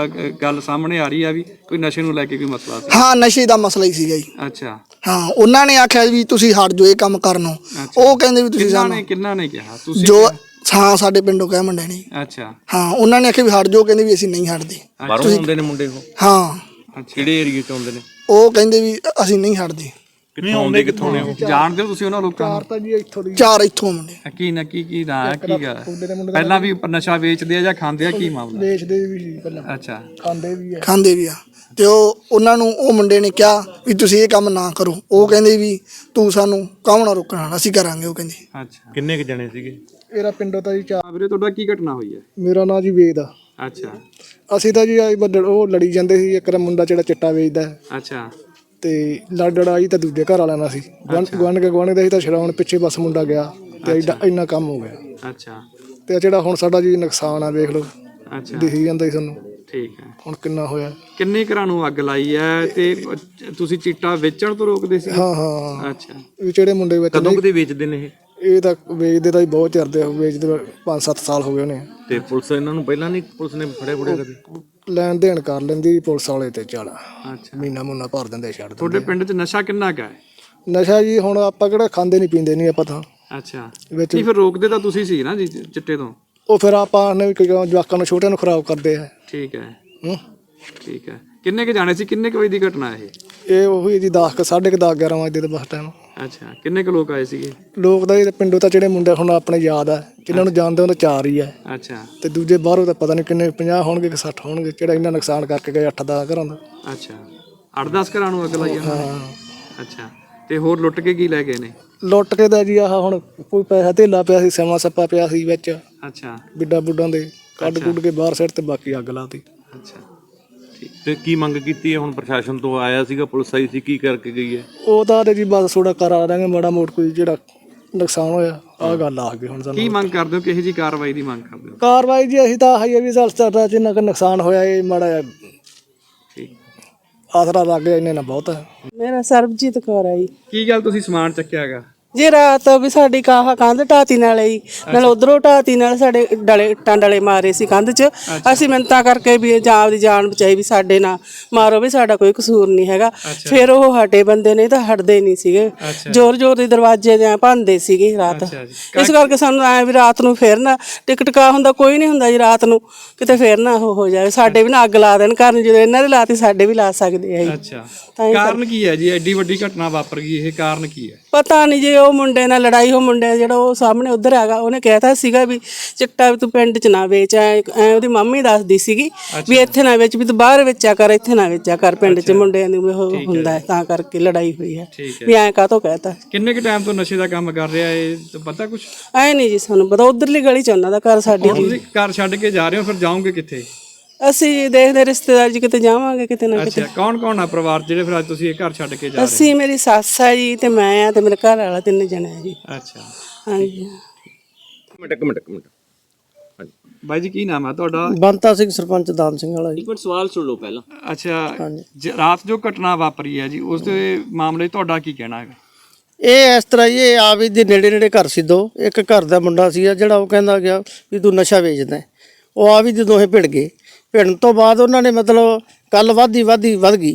[SPEAKER 2] ਗੱਲ ਸਾਹਮਣੇ ਆ ਰਹੀ ਆ ਵੀ ਕੋਈ ਨਸ਼ੇ ਨੂੰ ਲੈ ਕੇ ਕੋਈ ਮਸਲਾ ਸੀ?
[SPEAKER 8] ਹਾਂ ਨਸ਼ੇ ਦਾ ਮਸਲਾ ਹੀ ਸੀਗਾ ਜੀ।
[SPEAKER 2] ਅੱਛਾ,
[SPEAKER 8] ਹਾਂ ਉਹਨਾਂ ਨੇ ਆਖਿਆ ਵੀ ਤੁਸੀਂ ਹਟ ਜਾਓ ਇਹ ਕੰਮ ਕਰਨੋਂ। ਉਹ ਕਹਿੰਦੇ ਵੀ ਤੁਸੀਂ ਸਾਨੂੰ
[SPEAKER 2] ਕਿੰਨਾ ਨੇ ਕਿਹਾ? ਤੁਸੀਂ?
[SPEAKER 8] ਜੋ ਹਾਂ ਸਾਡੇ ਪਿੰਡੋਂ ਕਹਿ ਮੁੰਡੇ ਨੇ।
[SPEAKER 2] ਅੱਛਾ,
[SPEAKER 8] ਹਾਂ ਉਹਨਾਂ ਨੇ ਆਖਿਆ ਵੀ ਹਟ ਜਾਓ, ਕਹਿੰਦੇ ਵੀ ਅਸੀਂ ਨਹੀਂ ਹਟਦੇ।
[SPEAKER 6] ਬਾਹਰੋਂ ਆਉਂਦੇ ਨੇ ਮੁੰਡੇ ਉਹ?
[SPEAKER 8] ਹਾਂ
[SPEAKER 6] ਕਿਹੜੇ ਏਰੀਏ ਤੋਂ ਆਉਂਦੇ ਨੇ?
[SPEAKER 8] ਉਹ ਕਹਿੰਦੇ ਵੀ ਅਸੀਂ ਨਹੀਂ ਹਟਦੇ।
[SPEAKER 6] ਕਿੱਥੋਂ ਆਉਂਦੇ, ਕਿੱਥੋਂ ਨੇ ਉਹ?
[SPEAKER 2] ਜਾਣਦੇ ਹੋ ਤੁਸੀਂ ਉਹਨਾਂ ਲੋਕਾਂ ਨੂੰ?
[SPEAKER 8] ਚਾਰ ਇੱਥੋਂ ਮੁੰਡੇ
[SPEAKER 2] ਕੀ ਨਾ ਕੀ ਨਾ ਕੀ ਗੱਲ? ਪਹਿਲਾਂ ਵੀ ਨਸ਼ਾ ਵੇਚਦੇ ਆ ਜਾਂ ਖਾਂਦੇ ਆ, ਕੀ ਮਾਮਲਾ?
[SPEAKER 8] ਵੇਚਦੇ ਵੀ ਸੀ ਪਹਿਲਾਂ,
[SPEAKER 2] ਅੱਛਾ,
[SPEAKER 8] ਖਾਂਦੇ ਵੀ ਆ। ਤੇ ਉਹਨਾਂ ਨੂੰ ਉਹ ਮੁੰਡੇ ਨੇ ਕਿਹਾ ਵੀ ਤੁਸੀਂ ਇਹ ਕੰਮ ਨਾ ਕਰੋ। ਉਹ ਕਹਿੰਦੇ ਵੀ ਤੂੰ ਸਾਨੂੰ ਕਾਹਨੂੰ ਨਾ ਰੋਕਣਾ, ਅਸੀਂ ਕਰਾਂਗੇ। ਉਹ ਕਹਿੰਦੇ।
[SPEAKER 2] ਅੱਛਾ,
[SPEAKER 6] ਕਿੰਨੇ ਕ ਜਣੇ ਸੀਗੇ?
[SPEAKER 8] ਮੇਰਾ ਪਿੰਡੋਂ ਤਾਂ ਜੀ
[SPEAKER 2] ਵੀਰੇ ਤੁਹਾਡਾ ਕੀ ਘਟਨਾ ਹੋਈ ਹੈ?
[SPEAKER 8] ਮੇਰਾ ਨਾਂ ਜੀ ਵੇਦ ਆ।
[SPEAKER 2] ਅੱਛਾ,
[SPEAKER 8] ਅਸੀਂ ਤਾਂ ਜੀ ਉਹ ਲੜੀ ਜਾਂਦੇ ਸੀ। ਇੱਕ ਮੁੰਡਾ ਜਿਹੜਾ ਚਿੱਟਾ ਵੇਚਦਾ ਹੈ
[SPEAKER 2] ਅੱਛਾ,
[SPEAKER 8] ਤੇ ਲੜਾਈ ਤਾਂ ਦੂਜੇ ਘਰ ਵਾਲਿਆਂ ਨਾਲ ਸੀ। ਗੁਆਂਢ ਦਾ ਸੀ ਤਾਂ ਛਡਾਉਣ ਪਿੱਛੇ ਬਸ ਮੁੰਡਾ ਗਿਆ ਤੇ ਇੰਨਾ ਕੰਮ ਹੋ ਗਿਆ।
[SPEAKER 2] ਅੱਛਾ,
[SPEAKER 8] ਤੇ ਜਿਹੜਾ ਹੁਣ ਸਾਡਾ ਜੀ ਨੁਕਸਾਨ ਆ ਵੇਖ ਲਓ,
[SPEAKER 2] ਅੱਛਾ,
[SPEAKER 8] ਦਿਖੀ ਜਾਂਦਾ ਸੀ ਸਾਨੂੰ।
[SPEAKER 2] ਠੀਕ ਹੈ।
[SPEAKER 8] ਹੁਣ ਕਿੰਨਾ ਹੋਇਆ?
[SPEAKER 2] ਕਿੰਨੇ ਘਰਾਂ ਨੂੰ ਅੱਗ ਲਾਈ ਹੈ ਤੇ ਤੁਸੀਂ ਚਿੱਟਾ ਵੇਚਣ ਤੋਂ ਰੋਕਦੇ ਸੀ?
[SPEAKER 8] ਹਾਂ ਹਾਂ।
[SPEAKER 2] ਅੱਛਾ,
[SPEAKER 8] ਵੀ ਜਿਹੜੇ ਮੁੰਡੇ ਵਿੱਚ
[SPEAKER 6] ਕਦੋਂ ਕਦੇ ਵੇਚਦੇ ਨੇ ਇਹ?
[SPEAKER 8] ਇਹ ਤਾਂ ਵੇਚਦੇ ਤਾਂ ਬਹੁਤ ਚਿਰਦੇ ਵੇਚਦੇ 5-7 ਸਾਲ ਹੋ ਗਏ ਉਹਨੇ।
[SPEAKER 6] ਤੇ ਪੁਲਿਸ ਇਹਨਾਂ ਨੂੰ ਪਹਿਲਾਂ ਨਹੀਂ, ਪੁਲਿਸ ਨੇ ਫੜੇ ਕਦੇ?
[SPEAKER 8] ਲੈਣ ਦੇਣ ਕਰ ਲੈਂਦੀ ਪੁਲਿਸ ਵਾਲੇ ਤੇ ਚੱਲ
[SPEAKER 2] ਅੱਛਾ।
[SPEAKER 8] ਮਹੀਨਾ ਮੁੰਨਾ ਭਰ ਦਿੰਦੇ, ਛੱਡ
[SPEAKER 2] ਤੁਹਾਡੇ
[SPEAKER 8] ਦਿੰਦੇ।
[SPEAKER 2] ਪਿੰਡ 'ਚ ਨਸ਼ਾ ਕਿੰਨਾ ਕੁ ਹੈ?
[SPEAKER 8] ਨਸ਼ਾ ਜੀ ਹੁਣ ਆਪਾਂ ਕਿਹੜਾ ਖਾਂਦੇ ਨਹੀਂ ਪੀਂਦੇ ਨਹੀਂ ਆਪਾਂ ਤਾਂ।
[SPEAKER 2] ਅੱਛਾ,
[SPEAKER 8] ਵਿੱਚ
[SPEAKER 2] ਨਹੀਂ ਫਿਰ ਰੋਕਦੇ ਤਾਂ ਤੁਸੀਂ ਸੀ ਨਾ ਜੀ ਚਿੱਟੇ ਤੋਂ?
[SPEAKER 8] ਉਹ ਫਿਰ ਆਪਾਂ ਨੇ ਕਿਉਂ ਜਵਾਕਾਂ ਨੂੰ ਛੋਟਿਆਂ ਨੂੰ ਖਰਾਬ ਕਰਦੇ ਆ।
[SPEAKER 2] ਠੀਕ ਹੈ,
[SPEAKER 8] ਹੂੰ।
[SPEAKER 2] ਠੀਕ ਹੈ। ਕਿੰਨੇ ਕੁ ਜਾਣੇ ਸੀ, ਕਿੰਨੇ ਕੁ ਵਜੇ ਦੀ ਘਟਨਾ ਇਹ?
[SPEAKER 8] ਉਹੀ ਜੀ 10 10:30 11 ਵਜੇ ਦੇ ਬਸ ਟਾਈਮ।
[SPEAKER 2] ਅੱਛਾ, ਕਿੰਨੇ ਕੁ ਲੋਕ ਆਏ ਸੀਗੇ?
[SPEAKER 8] ਲੋਕ ਤਾਂ ਇਹ ਪਿੰਡੋਂ ਤਾਂ ਜਿਹੜੇ ਮੁੰਡੇ ਹੁਣ ਆਪਣੇ ਯਾਦ ਆ, ਜਿਨ੍ਹਾਂ ਨੂੰ ਜਾਣਦੇ ਉਹ ਤਾਂ 4 ਹੀ ਆ।
[SPEAKER 2] ਅੱਛਾ,
[SPEAKER 8] ਤੇ ਦੂਜੇ ਬਾਹਰੋਂ ਤਾਂ ਪਤਾ ਨਹੀਂ ਕਿੰਨੇ, 50 ਹੋਣਗੇ ਕਿ 60 ਹੋਣਗੇ, ਜਿਹੜਾ ਇੰਨਾ ਨੁਕਸਾਨ ਕਰਕੇ ਗਏ 8-10 ਘਰਾਂ ਦਾ।
[SPEAKER 2] ਅੱਛਾ, 8-10 ਘਰਾਂ ਨੂੰ ਅੱਗ ਲਾਈ ਉਹਨਾਂ ਨੇ?
[SPEAKER 8] ਹਾਂ।
[SPEAKER 2] ਅੱਛਾ, ਤੇ ਹੋਰ ਲੁੱਟ ਕੇ ਕੀ ਲੈ ਗਏ ਨੇ?
[SPEAKER 8] ਲੁੱਟ ਕੇ ਦਾ ਜੀ ਆਹ ਹੁਣ ਕੋਈ ਪੈਸਾ ਧੇਲਾ ਪਿਆ ਸੀ, ਸਮਾਂ ਸੱਪਾ ਪਿਆ ਸੀ ਵਿੱਚ,
[SPEAKER 2] ਅੱਛਾ,
[SPEAKER 8] ਬਿੱਡਾਂ ਬੁੱਡਾਂ ਦੇ ਕੱਢ ਕੁੱਢ ਕੇ ਬਾਹਰ ਸਿੱਟ ਤੇ ਬਾਕੀ ਅੱਗ ਲਾਤੀ।
[SPEAKER 2] ਅੱਛਾ,
[SPEAKER 6] ਤੇ ਕੀ ਮੰਗ ਕੀਤੀ ਹੈ ਹੁਣ? ਪ੍ਰਸ਼ਾਸਨ ਤੋਂ ਆਇਆ ਸੀਗਾ, ਪੁਲਿਸ ਆਈ ਸੀ, ਕੀ ਕਰਕੇ ਗਈ ਹੈ?
[SPEAKER 8] ਉਹ ਤਾਂ ਜੀ ਬਸ ਥੋੜਾ ਕਰਾ ਦਾਂਗੇ ਮਾੜਾ ਮੋਟ, ਕੋਈ ਜਿਹੜਾ ਨੁਕਸਾਨ ਹੋਇਆ ਆਹ ਗੱਲ ਆ ਗਈ ਹੁਣ ਸਾਨੂੰ।
[SPEAKER 2] ਕੀ ਮੰਗ ਕਰਦੇ ਹੋ, ਕਿਹੋ ਜੀ ਕਾਰਵਾਈ ਦੀ ਮੰਗ ਕਰਦੇ ਹੋ?
[SPEAKER 8] ਕਾਰਵਾਈ ਜੀ ਅਸੀਂ ਤਾਂ ਆਹੀ ਹੈ ਵੀ ਸਾਡਾ ਜਿੰਨਾ ਕੁ ਨੁਕਸਾਨ ਹੋਇਆ ਇਹ ਮਾੜਾ ਜਿਹਾ
[SPEAKER 2] ਠੀਕ।
[SPEAKER 8] ਆਸਰਾ ਲੱਗ ਗਿਆ, ਇੰਨੇ ਨਾਲ ਬਹੁਤ ਹੈ।
[SPEAKER 9] ਮੇਰਾ ਸਰਬਜੀਤ ਕੌਰ ਹੈ ਜੀ।
[SPEAKER 2] ਕੀ ਗੱਲ ਤੁਸੀਂ ਸਮਾਨ ਚੱਕਿਆ ਹੈਗਾ?
[SPEAKER 9] ਜੀ ਰਾਤ ਵੀ ਸਾਡੀ ਕੰਧ ਢਾਤੀ ਨਾਲ ਹੀ ਨਾਲ ਉਧਰੋਂ ਢਾਤੀ ਨਾਲ ਸਾਡੇ ਡਲੇ ਮਾਰੇ ਸੀ ਕੰਧ 'ਚ। ਅਸੀਂ ਮਿੰਨਤਾਂ ਕਰਕੇ ਵੀ ਜਾਂ ਆਪਦੀ ਜਾਨ ਬਚਾਈ ਵੀ ਸਾਡੇ ਨਾਲ ਮਾਰੋ, ਵੀ ਸਾਡਾ ਕੋਈ ਕਸੂਰ ਨਹੀਂ ਹੈਗਾ। ਫਿਰ ਉਹ ਹਟੇ ਬੰਦੇ ਨੇ ਤਾਂ ਹਟਦੇ ਨਹੀਂ ਸੀਗੇ, ਜ਼ੋਰ ਜ਼ੋਰ ਦੇ ਦਰਵਾਜ਼ੇ ਜਾਂ ਭੰਨਦੇ ਸੀਗੇ ਰਾਤ। ਇਸ ਕਰਕੇ ਸਾਨੂੰ ਐ ਵੀ ਰਾਤ ਨੂੰ ਫਿਰ ਨਾ ਟਿਕਟਕਾ ਹੁੰਦਾ, ਕੋਈ ਨਹੀਂ ਹੁੰਦਾ ਜੀ ਰਾਤ ਨੂੰ ਕਿਤੇ ਫਿਰ ਨਾ ਉਹ ਹੋ ਜਾਵੇ, ਸਾਡੇ ਵੀ ਨਾ ਅੱਗ ਲਾ ਦੇਣ ਘਰ ਨੂੰ। ਜਦੋਂ ਇਹਨਾਂ ਦੇ ਲਾਤੀ ਸਾਡੇ ਵੀ ਲਾ ਸਕਦੇ ਆ ਜੀ।
[SPEAKER 2] ਅੱਛਾ, ਕਾਰਨ ਕੀ ਹੈ ਜੀ ਐਡੀ ਵੱਡੀ ਘਟਨਾ ਵਾਪਰ ਗਈ? ਇਹ ਕਾਰਨ ਕੀ ਹੈ?
[SPEAKER 9] ਪਤਾ ਨਹੀਂ ਜੀ, ਉਹ ਮੁੰਡੇ ਨਾਲ ਲੜਾਈ, ਉਹ ਮੁੰਡੇ ਜਿਹੜਾ ਉਹ ਸਾਹਮਣੇ ਉਧਰ ਹੈਗਾ ਉਹਨੇ ਕਹਿਤਾ ਸੀਗਾ ਵੀ ਚਿੱਟਾ ਵੀ ਤੂੰ ਪਿੰਡ 'ਚ ਨਾ ਵੇਚ। ਐ ਉਹਦੀ ਮੰਮੀ ਦੱਸਦੀ ਸੀਗੀ ਵੀ ਇੱਥੇ ਨਾ ਵੇਚ, ਵੀ ਤੂੰ ਬਾਹਰ ਵੇਚਿਆ ਕਰ, ਇੱਥੇ ਨਾ ਵੇਚਿਆ ਕਰ, ਪਿੰਡ 'ਚ ਮੁੰਡਿਆਂ ਦੀ ਉਹ ਹੁੰਦਾ ਹੈ, ਤਾਂ ਕਰਕੇ ਲੜਾਈ ਹੋਈ ਹੈ ਵੀ ਐਂ ਕਾਹਤੋਂ ਕਹਿਤਾ।
[SPEAKER 2] ਕਿੰਨੇ ਕੁ ਟਾਈਮ ਤੋਂ ਨਸ਼ੇ ਦਾ ਕੰਮ ਕਰ ਰਿਹਾ ਇਹ ਪਤਾ ਕੁਛ?
[SPEAKER 9] ਐ ਨਹੀਂ ਜੀ ਸਾਨੂੰ ਪਤਾ, ਉਧਰਲੀ ਗਲੀ 'ਚ ਉਹਨਾਂ ਦਾ ਘਰ, ਸਾਡੀ
[SPEAKER 2] ਤੁਸੀਂ ਘਰ ਛੱਡ ਕੇ ਜਾ ਰਹੇ ਹੋ, ਫਿਰ ਜਾਓਗੇ ਕਿੱਥੇ?
[SPEAKER 9] ਅਸੀਂ ਦੇਖਦੇ ਰਿਸ਼ਤੇਦਾਰ ਜੀ ਕਿਤੇ ਜਾਵਾਂਗੇ ਕਿਤੇ ਨਾ ਕਿਤੇ।
[SPEAKER 2] ਅੱਛਾ, ਕੌਣ ਕੌਣ ਆ ਪਰਿਵਾਰ ਜਿਹੜੇ ਫਿਰ ਅੱਜ ਤੁਸੀਂ ਇਹ ਘਰ ਛੱਡ ਕੇ ਜਾ ਰਹੇ
[SPEAKER 9] ਅਸੀਂ ਮੇਰੀ ਸੱਸ ਆ ਜੀ ਤੇ ਮੈਂ ਆ ਤੇ ਮੇਰੇ ਘਰ ਵਾਲਾ, 3 ਜਣੇ ਆ ਜੀ।
[SPEAKER 2] ਹੋ? ਅੱਛਾ
[SPEAKER 9] ਹਾਂਜੀ।
[SPEAKER 6] ਇੱਕ ਮਿੰਟ
[SPEAKER 2] ਬਾਈ ਜੀ, ਕੀ ਨਾਮ ਹੈ ਤੁਹਾਡਾ?
[SPEAKER 4] ਬੰਤਾ ਸਿੰਘ ਸਰਪੰਚ ਦਾਨ ਸਿੰਘ ਵਾਲਾ ਜੀ।
[SPEAKER 10] ਸਵਾਲ ਸੁਣ ਲਓ ਪਹਿਲਾਂ।
[SPEAKER 2] ਅੱਛਾ, ਰਾਤ ਜੋ ਘਟਨਾ ਵਾਪਰੀ ਹੈ ਜੀ, ਉਸ ਦੇ ਮਾਮਲੇ 'ਚ ਤੁਹਾਡਾ ਕੀ ਕਹਿਣਾ ਹੈਗਾ?
[SPEAKER 4] ਇਹ ਇਸ ਤਰ੍ਹਾਂ ਹੀ, ਇਹ ਆਵੀ ਦੇ ਨੇੜੇ ਨੇੜੇ ਘਰ ਸੀ ਦੋ। ਇੱਕ ਘਰ ਦਾ ਮੁੰਡਾ ਸੀ ਜਿਹੜਾ ਉਹ ਕਹਿੰਦਾ ਗਿਆ ਵੀ ਤੂੰ ਨਸ਼ਾ ਵੇਚਦਾ ਹੈ। ਉਹ ਆਵੀ ਦੇ ਦੋਹੇ ਭਿੜ ਗਏ। ਭਿੜਨ ਤੋਂ ਬਾਅਦ ਉਹਨਾਂ ਨੇ ਮਤਲਬ ਕੱਲ ਵੱਧ ਗਈ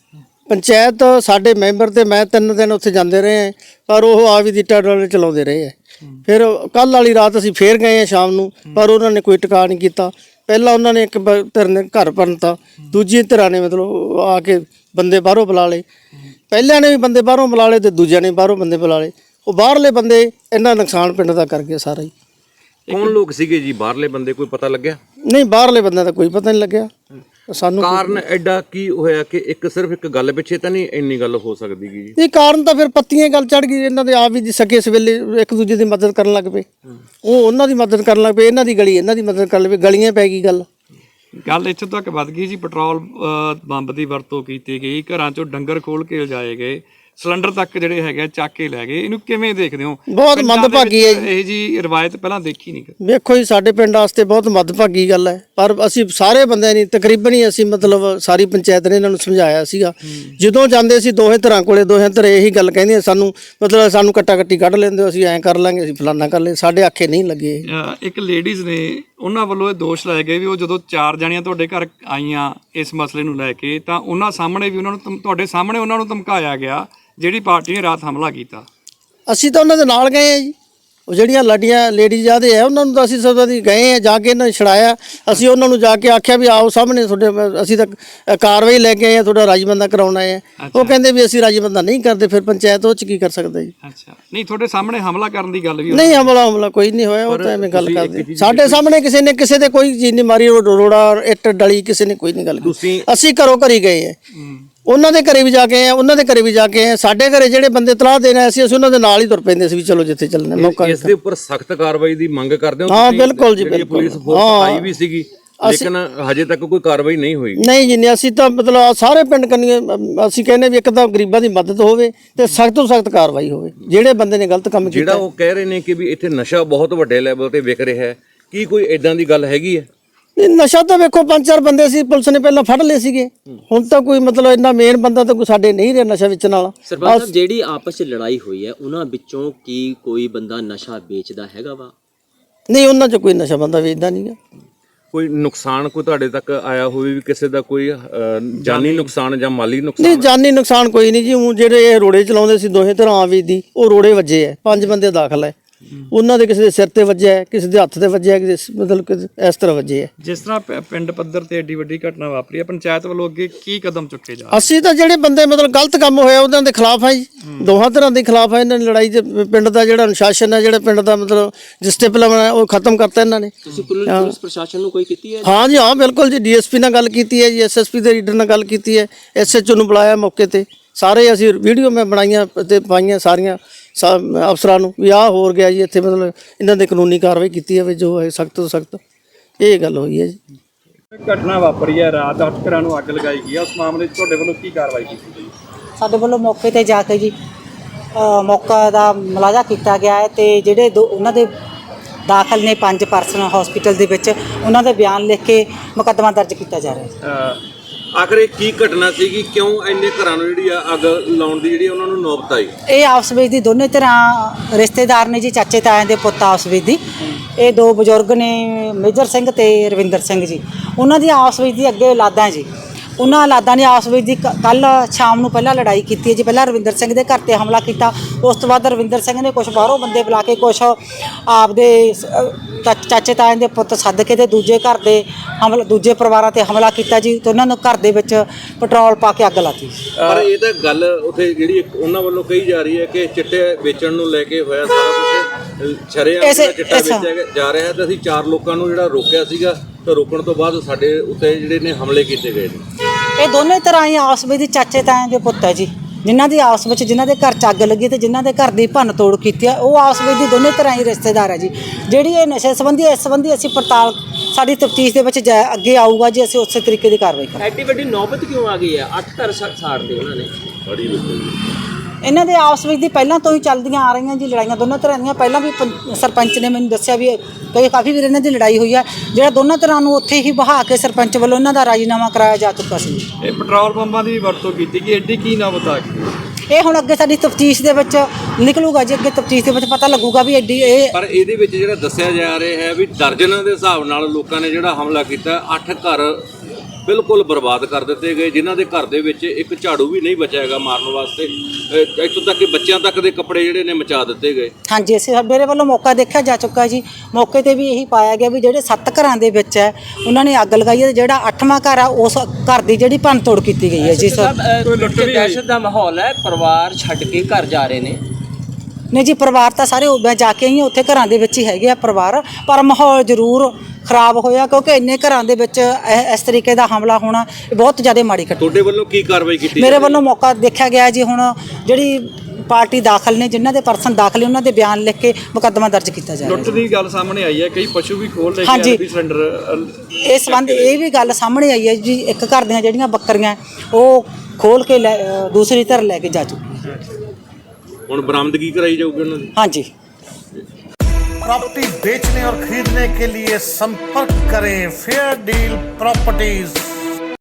[SPEAKER 4] ਪੰਚਾਇਤ। ਸਾਡੇ ਮੈਂਬਰ ਤੇ ਮੈਂ 3 ਦਿਨ ਉੱਥੇ ਜਾਂਦੇ ਰਹੇ, ਪਰ ਉਹ ਆਵੀ ਦੀ ਟਾਡਲ ਚਲਾਉਂਦੇ ਰਹੇ। ਫਿਰ ਕੱਲ ਵਾਲੀ ਰਾਤ ਅਸੀਂ ਫੇਰ ਗਏ ਆ ਸ਼ਾਮ ਨੂੰ, ਪਰ ਉਹਨਾਂ ਨੇ ਕੋਈ ਟਿਕਾ ਨਹੀਂ ਕੀਤਾ। ਪਹਿਲਾਂ ਉਹਨਾਂ ਨੇ ਇੱਕ ਧਿਰ ਨੇ ਘਰ ਭੰਨਤਾ, ਦੂਜੀ ਧਿਰਾਂ ਨੇ ਮਤਲਬ ਆ ਕੇ ਬੰਦੇ ਬਾਹਰੋਂ ਬੁਲਾ ਲਏ। ਪਹਿਲਿਆਂ ਨੇ ਵੀ ਬੰਦੇ ਬਾਹਰੋਂ ਬੁਲਾ ਲਏ ਤੇ ਦੂਜਿਆਂ ਨੇ ਬਾਹਰੋਂ ਬੰਦੇ ਬੁਲਾ ਲਏ। ਉਹ ਬਾਹਰਲੇ ਬੰਦੇ ਇਹਨਾਂ ਨੁਕਸਾਨ ਪਿੰਡ ਦਾ ਕਰ ਗਏ ਸਾਰਾ ਹੀ।
[SPEAKER 6] ਕੌਣ ਲੋਕ ਸੀਗੇ ਜੀ ਬਾਹਰਲੇ ਬੰਦੇ, ਕੋਈ ਪਤਾ ਲੱਗਿਆ?
[SPEAKER 4] ਨਹੀਂ, ਬਾਹਰਲੇ ਬੰਦਿਆਂ ਦਾ ਕੋਈ ਪਤਾ ਨਹੀਂ ਲੱਗਿਆ ਸਾਨੂੰ।
[SPEAKER 6] ਕਾਰਨ ਐਡਾ ਕੀ ਹੋਇਆ ਕਿ ਸਿਰਫ ਇੱਕ ਗੱਲ ਪਿੱਛੇ ਤਾਂ ਨਹੀਂ ਇੰਨੀ ਗੱਲ ਹੋ ਸਕਦੀ ਜੀ?
[SPEAKER 4] ਇਹ ਕਾਰਨ ਤਾਂ ਫਿਰ ਪੱਤੀਆਂ ਗੱਲ ਚੜ ਗਈ। ਇਹਨਾਂ ਦੇ ਆਪ ਵੀ ਸਕੇ ਸਵੇਲੇ ਇੱਕ ਦੂਜੇ ਦੀ ਮਦਦ ਕਰਨ ਲੱਗ ਪਏ। ਉਹ ਉਹਨਾਂ ਦੀ ਮਦਦ ਕਰਨ ਲੱਗ ਪਏ, ਇਹਨਾਂ ਦੀ ਗਲੀ ਇਹਨਾਂ ਦੀ ਮਦਦ ਕਰਨ ਲੱਗ ਪਏ। ਗਲੀਆਂ ਪੈ ਗਈ ਗੱਲ
[SPEAKER 2] ਇੱਥੋਂ ਤੱਕ ਵੱਧ ਗਈ ਜੀ। ਪੈਟਰੋਲ ਬੰਬ ਦੀ ਵਰਤੋਂ ਕੀਤੀ ਗਈ, ਘਰਾਂ 'ਚੋਂ ਡੰਗਰ ਖੋਲ ਕੇ ਲਿਜਾਏ ਗਏ, ਸਿਲੰਡਰ ਤੱਕ ਜਿਹੜੇ ਹੈਗੇ ਚੱਕ ਕੇ ਲੈ ਗਏ। ਇਹਨੂੰ ਕਿਵੇਂ ਦੇਖਦੇ ਹੋ?
[SPEAKER 4] ਬਹੁਤ ਮੰਦਭਾਗੀ ਹੈ
[SPEAKER 2] ਇਹ ਜੀ ਰਵਾਇਤ ਪਹਿਲਾਂ ਦੇਖੀ ਨਹੀਂ।
[SPEAKER 4] ਵੇਖੋ ਜੀ, ਸਾਡੇ ਪਿੰਡ ਵਾਸਤੇ ਬਹੁਤ ਮੰਦਭਾਗੀ ਗੱਲ ਹੈ, ਪਰ ਅਸੀਂ ਸਾਰੇ ਬੰਦਿਆਂ ਨੇ ਤਕਰੀਬਨ ਹੀ ਅਸੀਂ ਮਤਲਬ ਸਾਰੀ ਪੰਚਾਇਤ ਨੇ ਇਹਨਾਂ ਨੂੰ ਸਮਝਾਇਆ ਸੀਗਾ। ਜਦੋਂ ਜਾਂਦੇ ਸੀ ਦੋਹੇ ਧਿਰਾਂ ਕੋਲੇ, ਦੋਹੇ ਧਿਰ ਇਹੀ ਗੱਲ ਕਹਿੰਦੇ ਸਾਨੂੰ, ਮਤਲਬ ਸਾਨੂੰ ਕੱਟਾ ਕੱਟੀ ਕੱਢ ਲੈਂਦੇ ਹੋ, ਅਸੀਂ ਐਂ ਕਰ ਲਾਂਗੇ, ਅਸੀਂ ਫਲਾਨਾ ਕਰ ਲੈ। ਸਾਡੇ ਆਖੇ ਨਹੀਂ ਲੱਗੇ।
[SPEAKER 2] ਇੱਕ ਲੇਡੀਜ਼ ਨੇ, ਉਹਨਾਂ ਵੱਲੋਂ ਇਹ ਦੋਸ਼ ਲਾਏ ਗਏ ਵੀ ਉਹ ਜਦੋਂ 4 ਜਣੀਆਂ ਤੁਹਾਡੇ ਘਰ ਆਈਆਂ ਇਸ ਮਸਲੇ ਨੂੰ ਲੈ ਕੇ, ਤਾਂ ਉਹਨਾਂ ਸਾਹਮਣੇ ਵੀ ਉਹਨਾਂ ਨੂੰ ਤੁਹਾਡੇ ਸਾਹਮਣੇ ਉਹਨਾਂ ਨੂੰ ਧਮਕਾਇਆ ਗਿਆ ਜਿਹੜੀ ਪਾਰਟੀ ਨੇ ਰਾਤ ਹਮਲਾ ਕੀਤਾ। ਅਸੀਂ ਤਾਂ ਉਹਨਾਂ ਦੇ ਨਾਲ ਗਏ ਆ ਜੀ। ਉਹ ਜਿਹੜੀਆਂ ਲੇਡੀਜ਼ ਆਦੇ ਆ ਉਹਨਾਂ ਨੂੰ ਤਾਂ ਅਸੀਂ ਸਭ ਦੀ ਗਏ ਆ, ਜਾ ਕੇ ਇਹਨਾਂ ਨੇ ਛੜਾਇਆ। ਅਸੀਂ ਉਹਨਾਂ ਨੂੰ ਜਾ ਕੇ ਆਖਿਆ ਵੀ ਆਓ ਸਾਹਮਣੇ ਤੁਹਾਡੇ, ਅਸੀਂ ਤਾਂ ਕਾਰਵਾਈ ਲੈ ਕੇ ਆਏ ਆ, ਤੁਹਾਡਾ ਰਾਜਬੰਦਾ ਕਰਾਉਣਾ ਹੈ। ਉਹ ਕਹਿੰਦੇ ਵੀ ਅਸੀਂ ਰਾਜਬੰਦਾ ਨਹੀਂ ਕਰਦੇ। ਫਿਰ ਪੰਚਾਇਤ ਉਹ 'ਚ ਕੀ ਕਰ ਸਕਦਾ ਜੀ? ਅੱਛਾ, ਨਹੀਂ ਤੁਹਾਡੇ ਸਾਹਮਣੇ ਹਮਲਾ ਕਰਨ ਦੀ ਗੱਲ ਵੀ ਨਹੀਂ, ਹਮਲਾ ਕੋਈ ਨਹੀਂ ਹੋਇਆ। ਉਹ ਤਾਂ ਐਵੇਂ ਗੱਲ ਕਰਦੇ ਸਾਡੇ ਸਾਹਮਣੇ। ਕਿਸੇ ਦੇ ਕੋਈ ਚੀਜ਼ ਨਹੀਂ ਮਾਰੀ, ਰੋੜਾ ਇੱਟ ਡਲੀ ਕਿਸੇ ਨੇ ਕੋਈ ਨਹੀਂ ਗੱਲ ਕੀਤੀ। ਅਸੀਂ ਘਰੋਂ ਘਰੀ ਗਏ ਆ, ਉਹਨਾਂ ਦੇ ਘਰੇ ਵੀ ਜਾ ਕੇ ਆਏ, ਉਹਨਾਂ ਦੇ ਘਰੇ ਵੀ ਜਾ ਕੇ ਆਏ। ਸਾਡੇ ਘਰੇ ਜਿਹੜੇ ਬੰਦੇ ਤਲਾਹ ਦੇਣ ਆਏ ਸੀ, ਅਸੀਂ ਉਹਨਾਂ ਦੇ ਨਾਲ ਹੀ ਤੁਰ ਪੈਂਦੇ ਸੀ ਵੀ ਚਲੋ ਜਿੱਥੇ ਚੱਲਣਾ ਮੌਕਾ।
[SPEAKER 6] ਇਸ ਦੇ ਉੱਪਰ ਸਖਤ ਕਾਰਵਾਈ ਦੀ ਮੰਗ ਕਰਦੇ ਹੋ?
[SPEAKER 4] ਹਾਂ ਬਿਲਕੁਲ ਜੀ, ਬਿਲਕੁਲ।
[SPEAKER 6] ਪੁਲਿਸ ਫੋਰਸ ਆਈ ਵੀ ਸੀਗੀ, ਲੇਕਿਨ ਹਜੇ ਤੱਕ ਕੋਈ ਕਾਰਵਾਈ ਨਹੀਂ ਹੋਈ।
[SPEAKER 4] ਨਹੀਂ ਜੀ, ਅਸੀਂ ਤਾਂ ਮਤਲਬ ਸਾਰੇ ਪਿੰਡ ਕੰਨੀਏ ਅਸੀਂ ਕਹਿੰਦੇ ਵੀ ਇੱਕ ਤਾਂ ਗਰੀਬਾਂ ਦੀ ਮਦਦ ਹੋਵੇ ਤੇ ਸਖਤ ਤੋਂ ਸਖਤ ਕਾਰਵਾਈ ਹੋਵੇ ਜਿਹੜੇ ਬੰਦੇ ਨੇ ਗਲਤ ਕੰਮ ਕੀਤਾ।
[SPEAKER 6] ਜਿਹੜਾ ਉਹ ਕਹਿ ਰਹੇ ਨੇ ਕਿ ਵੀ ਇੱਥੇ ਨਸ਼ਾ ਬਹੁਤ ਵੱਡੇ ਲੈਵਲ ਤੇ ਵਿਕ ਰਿਹਾ ਹੈ, ਕੀ ਕੋਈ ਇਦਾਂ ਦੀ ਗੱਲ ਹੈਗੀ ਹੈ?
[SPEAKER 4] ਨਸ਼ਾ ਤਾਂ ਵੇਖੋ 5-4 ਬੰਦੇ ਸੀ, ਪੁਲਿਸ ਨੇ ਪਹਿਲਾਂ ਫੜ ਲਏ ਸੀਗੇ। ਹੁਣ ਤਾਂ ਕੋਈ ਮਤਲਬ ਇੰਨਾ ਮੇਨ ਬੰਦਾ ਤਾਂ ਕੋਈ ਸਾਡੇ ਨਹੀਂ ਰਿਹਾ ਨਸ਼ਾ ਵੇਚਣ ਵਾਲਾ।
[SPEAKER 10] ਸਰਪੰਚ ਸਾਹਿਬ, ਜਿਹੜੀ ਆਪਸ 'ਚ ਲੜਾਈ ਹੋਈ ਹੈ ਉਹਨਾਂ ਵਿੱਚੋਂ ਕੀ ਕੋਈ ਬੰਦਾ ਨਸ਼ਾ ਵੇਚਦਾ ਹੈਗਾ ਵਾ?
[SPEAKER 4] ਨਹੀਂ, ਉਹਨਾਂ 'ਚ ਕੋਈ ਨਸ਼ਾ ਬੰਦਾ ਵੇਚਦਾ ਨਹੀਂ ਗਾ।
[SPEAKER 6] ਕੋਈ ਨੁਕਸਾਨ ਕੋਈ ਤੁਹਾਡੇ ਤੱਕ ਆਇਆ ਹੋਵੇ ਵੀ ਕਿਸੇ ਦਾ ਕੋਈ ਜਾਨੀ ਨੁਕਸਾਨ ਜਾਂ ਮਾਲੀ ਨੁਕਸਾਨ?
[SPEAKER 4] ਨਹੀਂ, ਜਾਨੀ ਨੁਕਸਾਨ ਕੋਈ ਨਹੀਂ ਜੀ। ਉਹ ਜਿਹੜੇ ਇਹ ਰੋੜੇ ਚਲਾਉਂਦੇ ਸੀ ਦੋਹੇ ਧਿਰਾਂ ਆਵੀ ਦੀ, ਉਹ ਰੋੜੇ ਵੱਜੇ ਆ। 5 ਬੰਦੇ ਦਾਖਲ ਹੈ। ਉਹਨਾਂ ਦੇ ਕਿਸੇ ਦੇ ਸਿਰ ਤੇ ਵੱਜਿਆ, ਕਿਸੇ ਦੇ ਹੱਥ ਤੇ ਵੱਜਿਆ, ਕਿਸੇ ਮਤਲਬ ਇਸ ਤਰ੍ਹਾਂ ਵੱਜੇ ਆ।
[SPEAKER 2] ਜਿਸ ਤਰ੍ਹਾਂ ਪਿੰਡ ਪੱਧਰ ਤੇ ਏਡੀ ਵੱਡੀ ਘਟਨਾ ਵਾਪਰੀ ਹੈ, ਪੰਚਾਇਤ ਵੱਲੋਂ ਅੱਗੇ ਕੀ ਕਦਮ ਚੁੱਕੇ ਜਾ?
[SPEAKER 4] ਅਸੀਂ ਤਾਂ ਜਿਹੜੇ ਬੰਦੇ ਮਤਲਬ ਗਲਤ ਕੰਮ ਹੋਇਆ ਉਹਨਾਂ ਦੇ ਖਿਲਾਫ ਆ ਜੀ, ਦੋਹਾਂ ਤਰ੍ਹਾਂ ਦੇ ਖਿਲਾਫ ਆ। ਇਹਨਾਂ ਨੇ ਲੜਾਈ ਤੇ ਪਿੰਡ ਦਾ ਜਿਹੜਾ ਅਨੁਸ਼ਾਸਨ ਹੈ, ਜਿਹੜਾ ਪਿੰਡ ਦਾ ਮਤਲਬ ਡਿਸਪਲਿਨ ਹੈ, ਉਹ ਖਤਮ ਕਰਤਾ ਇਹਨਾਂ ਨੇ।
[SPEAKER 10] ਤੁਸੀਂ ਪੁਲਿਸ ਪ੍ਰਸ਼ਾਸਨ ਨੂੰ ਕੋਈ ਕੀਤੀ ਹੈ?
[SPEAKER 4] ਹਾਂ ਜੀ, ਹਾਂ ਬਿਲਕੁਲ ਜੀ। ਡੀਐਸਪੀ ਨਾਲ ਗੱਲ ਕੀਤੀ ਹੈ ਜੀ, ਐਸਐਸਪੀ ਦੇ ਲੀਡਰ ਨਾਲ ਗੱਲ ਕੀਤੀ ਹੈ, ਐਸਐਚਓ ਨੂੰ ਬੁਲਾਇਆ ਮੌਕੇ ਤੇ। ਸਾਰੇ ਅਸੀਂ ਵੀਡੀਓ ਮੈਂ ਬਣਾਈਆਂ ਤੇ ਪਾਈਆਂ ਸਾਰੀਆਂ ਅਫਸਰਾਂ ਨੂੰ ਵੀ ਆਹ ਹੋਰ ਗਿਆ ਜੀ ਇੱਥੇ, ਮਤਲਬ ਇਹਨਾਂ ਦੇ ਕਾਨੂੰਨੀ ਕਾਰਵਾਈ ਕੀਤੀ ਜਾਵੇ ਜੋ ਹੈ ਸਖਤ ਤੋਂ ਸਖਤ। ਇਹ ਗੱਲ ਹੋਈ ਹੈ ਜੀ।
[SPEAKER 2] ਘਟਨਾ ਵਾਪਰੀ ਹੈ ਰਾਤ, 8 ਘਰਾਂ ਨੂੰ ਅੱਗ ਲਗਾਈ ਗਈ ਹੈ, ਉਸ ਮਾਮਲੇ 'ਚ ਤੁਹਾਡੇ ਵੱਲੋਂ ਕੀ ਕਾਰਵਾਈ ਕੀਤੀ ਗਈ?
[SPEAKER 11] ਸਾਡੇ ਵੱਲੋਂ ਮੌਕੇ ਤੇ ਜਾ ਕੇ ਜੀ ਮੌਕਾ ਦਾ ਮੁਲਾਜ਼ਾ ਕੀਤਾ ਗਿਆ ਹੈ ਤੇ ਜਿਹੜੇ ਉਹਨਾਂ ਦੇ ਦਾਖਲ ਨੇ 5 ਪਰਸਨ ਹਸਪੀਟਲ ਦੇ ਵਿੱਚ, ਉਹਨਾਂ ਦੇ ਬਿਆਨ ਲਿਖ ਕੇ ਮੁਕੱਦਮਾ ਦਰਜ ਕੀਤਾ ਜਾ ਰਿਹਾ ਹੈ।
[SPEAKER 6] ਆਖਰ ਇਹ ਕੀ ਘਟਨਾ ਸੀਗੀ, ਕਿਉਂ ਇੰਨੇ ਘਰਾਂ ਨੂੰ ਜਿਹੜੀ ਆ ਅੱਗ ਲਾਉਣ ਦੀ ਜਿਹੜੀ ਉਹਨਾਂ ਨੂੰ ਨੌਬਤ ਆਈ?
[SPEAKER 11] ਇਹ ਆਪਸ ਵਿੱਚ ਦੀ ਦੋਨੇ ਤਰ੍ਹਾਂ ਰਿਸ਼ਤੇਦਾਰ ਨੇ ਜੀ, ਚਾਚੇ ਤਾਇਆਂ ਦੇ ਪੁੱਤ ਆਪਸ ਵਿੱਚ ਦੀ। ਇਹ 2 ਬਜ਼ੁਰਗ ਨੇ, ਮੇਜਰ ਸਿੰਘ ਤੇ ਰਵਿੰਦਰ ਸਿੰਘ ਜੀ। ਉਹਨਾਂ ਦੀ ਆਪਸ ਵਿੱਚ ਦੀ ਅੱਗੇ ਔਲਾਦਾਂ ਜੀ। ਉਹਨਾਂ ਔਲਾਦਾਂ ਨੇ ਆਪਸ ਵਿੱਚ ਦੀ ਕੱਲ ਸ਼ਾਮ ਨੂੰ ਪਹਿਲਾਂ ਲੜਾਈ ਕੀਤੀ ਹੈ ਜੀ। ਪਹਿਲਾਂ ਰਵਿੰਦਰ ਸਿੰਘ ਦੇ ਘਰ ਤੇ ਹਮਲਾ ਕੀਤਾ, ਉਸ ਤੋਂ ਬਾਅਦ ਰਵਿੰਦਰ ਸਿੰਘ ਨੇ ਕੁਝ ਬਾਹਰੋਂ ਬੰਦੇ ਬੁਲਾ ਕੇ, ਕੁਝ ਆਪਦੇ ਚਾਚੇ ਤਾਇਆਂ ਦੇ ਪੁੱਤ ਸੱਦ ਕੇ ਤੇ ਦੂਜੇ ਘਰ ਦੇ ਦੂਜੇ ਪਰਿਵਾਰਾਂ ਤੇ ਹਮਲਾ ਕੀਤਾ ਜੀ। ਤੇ ਉਹਨਾਂ ਨੂੰ ਘਰ ਦੇ ਵਿੱਚ ਪੈਟਰੋਲ ਪਾ ਕੇ ਅੱਗ ਲਾਤੀ।
[SPEAKER 6] ਪਰ ਇਹ ਤਾਂ ਗੱਲ ਉੱਥੇ ਜਿਹੜੀ ਉਹਨਾਂ ਵੱਲੋਂ ਕਹੀ ਜਾ ਰਹੀ ਹੈ ਕਿ ਚਿੱਟੇ ਵੇਚਣ ਨੂੰ ਲੈ ਕੇ ਹੋਇਆ ਸਾਰਾ ਕੁਝ, ਸ਼ਰੇਆਮ ਚਿੱਟਾ ਵੇਚਿਆ ਜਾ ਰਿਹਾ ਹੈ। ਤੇ ਅਸੀਂ 4 ਲੋਕਾਂ ਨੂੰ ਜਿਹੜਾ ਰੋਕਿਆ ਸੀਗਾ, ਤੇ ਰੋਕਣ ਤੋਂ ਬਾਅਦ ਸਾਡੇ ਉੱਤੇ ਜਿਹੜੇ ਨੇ ਹਮਲੇ ਕੀਤੇ ਗਏ ਨੇ।
[SPEAKER 11] ਇਹ ਦੋਨੇ ਤਰ੍ਹਾਂ ਹੀ ਆਪਸ ਵਿੱਚ ਚਾਚੇ ਤਾਇਆਂ ਦੇ ਪੁੱਤ ਹੈ ਜੀ, ਜਿਨ੍ਹਾਂ ਦੀ ਆਪਸ ਵਿੱਚ ਜਿਨ੍ਹਾਂ ਦੇ ਘਰ 'ਚ ਅੱਗ ਲੱਗੀ ਤੇ ਜਿਨ੍ਹਾਂ ਦੇ ਘਰ ਦੀ ਭੰਨ ਤੋੜ ਕੀਤੀ ਹੈ, ਉਹ ਆਪਸ ਵਿੱਚ ਦੀ ਦੋਨੇ ਤਰ੍ਹਾਂ ਹੀ ਰਿਸ਼ਤੇਦਾਰ ਹੈ ਜੀ। ਜਿਹੜੀ ਇਹ ਨਸ਼ੇ ਸੰਬੰਧੀ, ਇਸ ਸੰਬੰਧੀ ਅਸੀਂ ਪੜਤਾਲ ਸਾਡੀ ਤਫਤੀਸ਼ ਦੇ ਵਿੱਚ ਅੱਗੇ ਆਊਗਾ ਜੀ, ਅਸੀਂ ਉਸੇ ਤਰੀਕੇ ਦੀ ਕਾਰਵਾਈ ਕਰਾਂਗੇ।
[SPEAKER 10] ਐਡੀ ਵੱਡੀ ਨੌਬਤ ਕਿਉਂ ਆ ਗਈ ਹੈ? 8 ਘਰ ਸਾੜਦੇ ਉਹਨਾਂ ਨੇ।
[SPEAKER 11] ਇਹਨਾਂ ਦੇ ਆਪਸ ਵਿੱਚ ਦੀ ਪਹਿਲਾਂ ਤੋਂ ਹੀ ਚੱਲਦੀਆਂ ਆ ਰਹੀਆਂ ਜੀ ਲੜਾਈਆਂ ਦੋਨਾਂ ਤਰ੍ਹਾਂ ਦੀਆਂ। ਪਹਿਲਾਂ ਵੀ ਸਰਪੰਚ ਨੇ ਮੈਨੂੰ ਦੱਸਿਆ ਵੀ ਕਾਫੀ ਵਾਰ ਇਹਨਾਂ ਦੀ ਲੜਾਈ ਹੋਈ ਹੈ, ਜਿਹੜਾ ਦੋਨਾਂ ਤਰ੍ਹਾਂ ਨੂੰ ਉੱਥੇ ਹੀ ਬਹਾ ਕੇ ਸਰਪੰਚ ਵੱਲੋਂ ਇਹਨਾਂ ਦਾ ਰਾਜੀਨਾਮਾ ਕਰਾਇਆ ਜਾ ਚੁੱਕਾ ਸੀ।
[SPEAKER 2] ਇਹ ਪੈਟਰੋਲ ਪੰਪਾਂ ਦੀ ਵਰਤੋਂ ਕੀਤੀ ਕਿ ਐਡੀ ਕੀ ਨਾ ਬਤਾ ਕੇ
[SPEAKER 11] ਇਹ ਹੁਣ ਅੱਗੇ ਸਾਡੀ ਤਫਤੀਸ਼ ਦੇ ਵਿੱਚ ਨਿਕਲੂਗਾ ਜੀ, ਅੱਗੇ ਤਫਤੀਸ਼ ਦੇ ਵਿੱਚ ਪਤਾ ਲੱਗੂਗਾ ਵੀ ਐਡੀ ਇਹ।
[SPEAKER 6] ਪਰ ਇਹਦੇ ਵਿੱਚ ਜਿਹੜਾ ਦੱਸਿਆ ਜਾ ਰਿਹਾ ਹੈ ਵੀ ਦਰਜਨਾਂ ਦੇ ਹਿਸਾਬ ਨਾਲ ਲੋਕਾਂ ਨੇ ਜਿਹੜਾ ਹਮਲਾ ਕੀਤਾ, 8 ਘਰ ਬਿਲਕੁਲ ਬਰਬਾਦ ਕਰ ਦਿੱਤੇ ਗਏ, ਜਿਨ੍ਹਾਂ ਦੇ ਘਰ ਦੇ ਵਿੱਚ ਇੱਕ ਝਾੜੂ ਵੀ ਨਹੀਂ ਬਚਿਆ ਹੈਗਾ ਮਾਰਨ ਵਾਸਤੇ। ਇੱਥੋਂ ਤੱਕ ਕਿ ਬੱਚਿਆਂ ਤੱਕ ਦੇ ਕੱਪੜੇ ਜਿਹੜੇ ਨੇ ਮਚਾ ਦਿੱਤੇ ਗਏ।
[SPEAKER 11] ਹਾਂਜੀ, ਅਸੀਂ ਮੇਰੇ ਵੱਲੋਂ ਮੌਕਾ ਦੇਖਿਆ ਜਾ ਚੁੱਕਾ ਜੀ। ਮੌਕੇ ਤੇ ਵੀ ਇਹੀ ਪਾਇਆ ਗਿਆ ਵੀ ਜਿਹੜੇ 7 ਘਰਾਂ ਦੇ ਵਿੱਚ ਹੈ ਉਹਨਾਂ ਨੇ ਅੱਗ ਲਗਾਈ ਹੈ, ਜਿਹੜਾ 8ਵਾਂ ਘਰ ਆ ਉਸ ਘਰ ਦੀ ਜਿਹੜੀ ਭੰਨ ਤੋੜ ਕੀਤੀ ਗਈ ਹੈ ਜੀ।
[SPEAKER 10] ਦਹਿਸ਼ਤ ਦਾ ਮਾਹੌਲ ਹੈ, ਪਰਿਵਾਰ ਛੱਡ ਕੇ ਘਰ ਜਾ ਰਹੇ ਨੇ।
[SPEAKER 11] ਨਹੀਂ ਜੀ, ਪਰਿਵਾਰ ਤਾਂ ਸਾਰੇ ਮੈਂ ਜਾ ਕੇ ਆਈ ਹਾਂ, ਉੱਥੇ ਘਰਾਂ ਦੇ ਵਿੱਚ ਹੀ ਹੈਗੇ ਆ ਪਰਿਵਾਰ, ਪਰ ਮਾਹੌਲ ਜ਼ਰੂਰ ਖਰਾਬ ਹੋਇਆ ਕਿਉਂਕਿ ਇੰਨੇ ਘਰਾਂ ਦੇ ਵਿੱਚ ਇਸ ਤਰੀਕੇ ਦਾ ਹਮਲਾ ਹੋਣਾ ਇਹ ਬਹੁਤ ਜ਼ਿਆਦਾ ਮਾੜੀ ਘਟਨਾ।
[SPEAKER 6] ਤੁਹਾਡੇ ਵੱਲੋਂ ਕੀ ਕਾਰਵਾਈ ਕੀਤੀ?
[SPEAKER 11] ਮੇਰੇ ਵੱਲੋਂ ਮੌਕਾ ਦੇਖਿਆ ਗਿਆ ਜੀ। ਹੁਣ ਜਿਹੜੀ ਪਾਰਟੀ ਦਾਖਲ ਨੇ, ਜਿਨ੍ਹਾਂ ਦੇ ਪਰਸਨ ਦਾਖਲ ਨੇ, ਉਹਨਾਂ ਦੇ ਬਿਆਨ ਲਿਖ ਕੇ ਮੁਕੱਦਮਾ ਦਰਜ ਕੀਤਾ ਜਾ ਰਿਹਾ।
[SPEAKER 2] ਲੁੱਟ ਦੀ ਗੱਲ ਸਾਹਮਣੇ ਆਈ ਹੈ, ਕਈ ਪਸ਼ੂ ਵੀ ਖੋਲ ਲੈ
[SPEAKER 11] ਹਾਂਜੀ।
[SPEAKER 2] ਕੇ ਵੀ ਸਿਲੰਡਰ
[SPEAKER 11] ਇਸ ਸੰਬੰਧ ਇਹ ਵੀ ਗੱਲ ਸਾਹਮਣੇ ਆਈ ਹੈ ਜੀ, ਇੱਕ ਘਰ ਦੀਆਂ ਜਿਹੜੀਆਂ ਬੱਕਰੀਆਂ ਉਹ ਖੋਲ ਕੇ ਦੂਸਰੀ ਧਰ ਲੈ ਕੇ ਜਾ ਚੁੱਕੀ।
[SPEAKER 6] ਹੁਣ ਬਰਾਮਦਗੀ ਕਰਾਈ ਜਾਊਗੀ ਉਹਨਾਂ ਦੀ।
[SPEAKER 11] ਹਾਂਜੀ।
[SPEAKER 12] प्रॉपर्टी बेचने और खरीदने के लिए संपर्क करें फेयर डील प्रॉपर्टीज।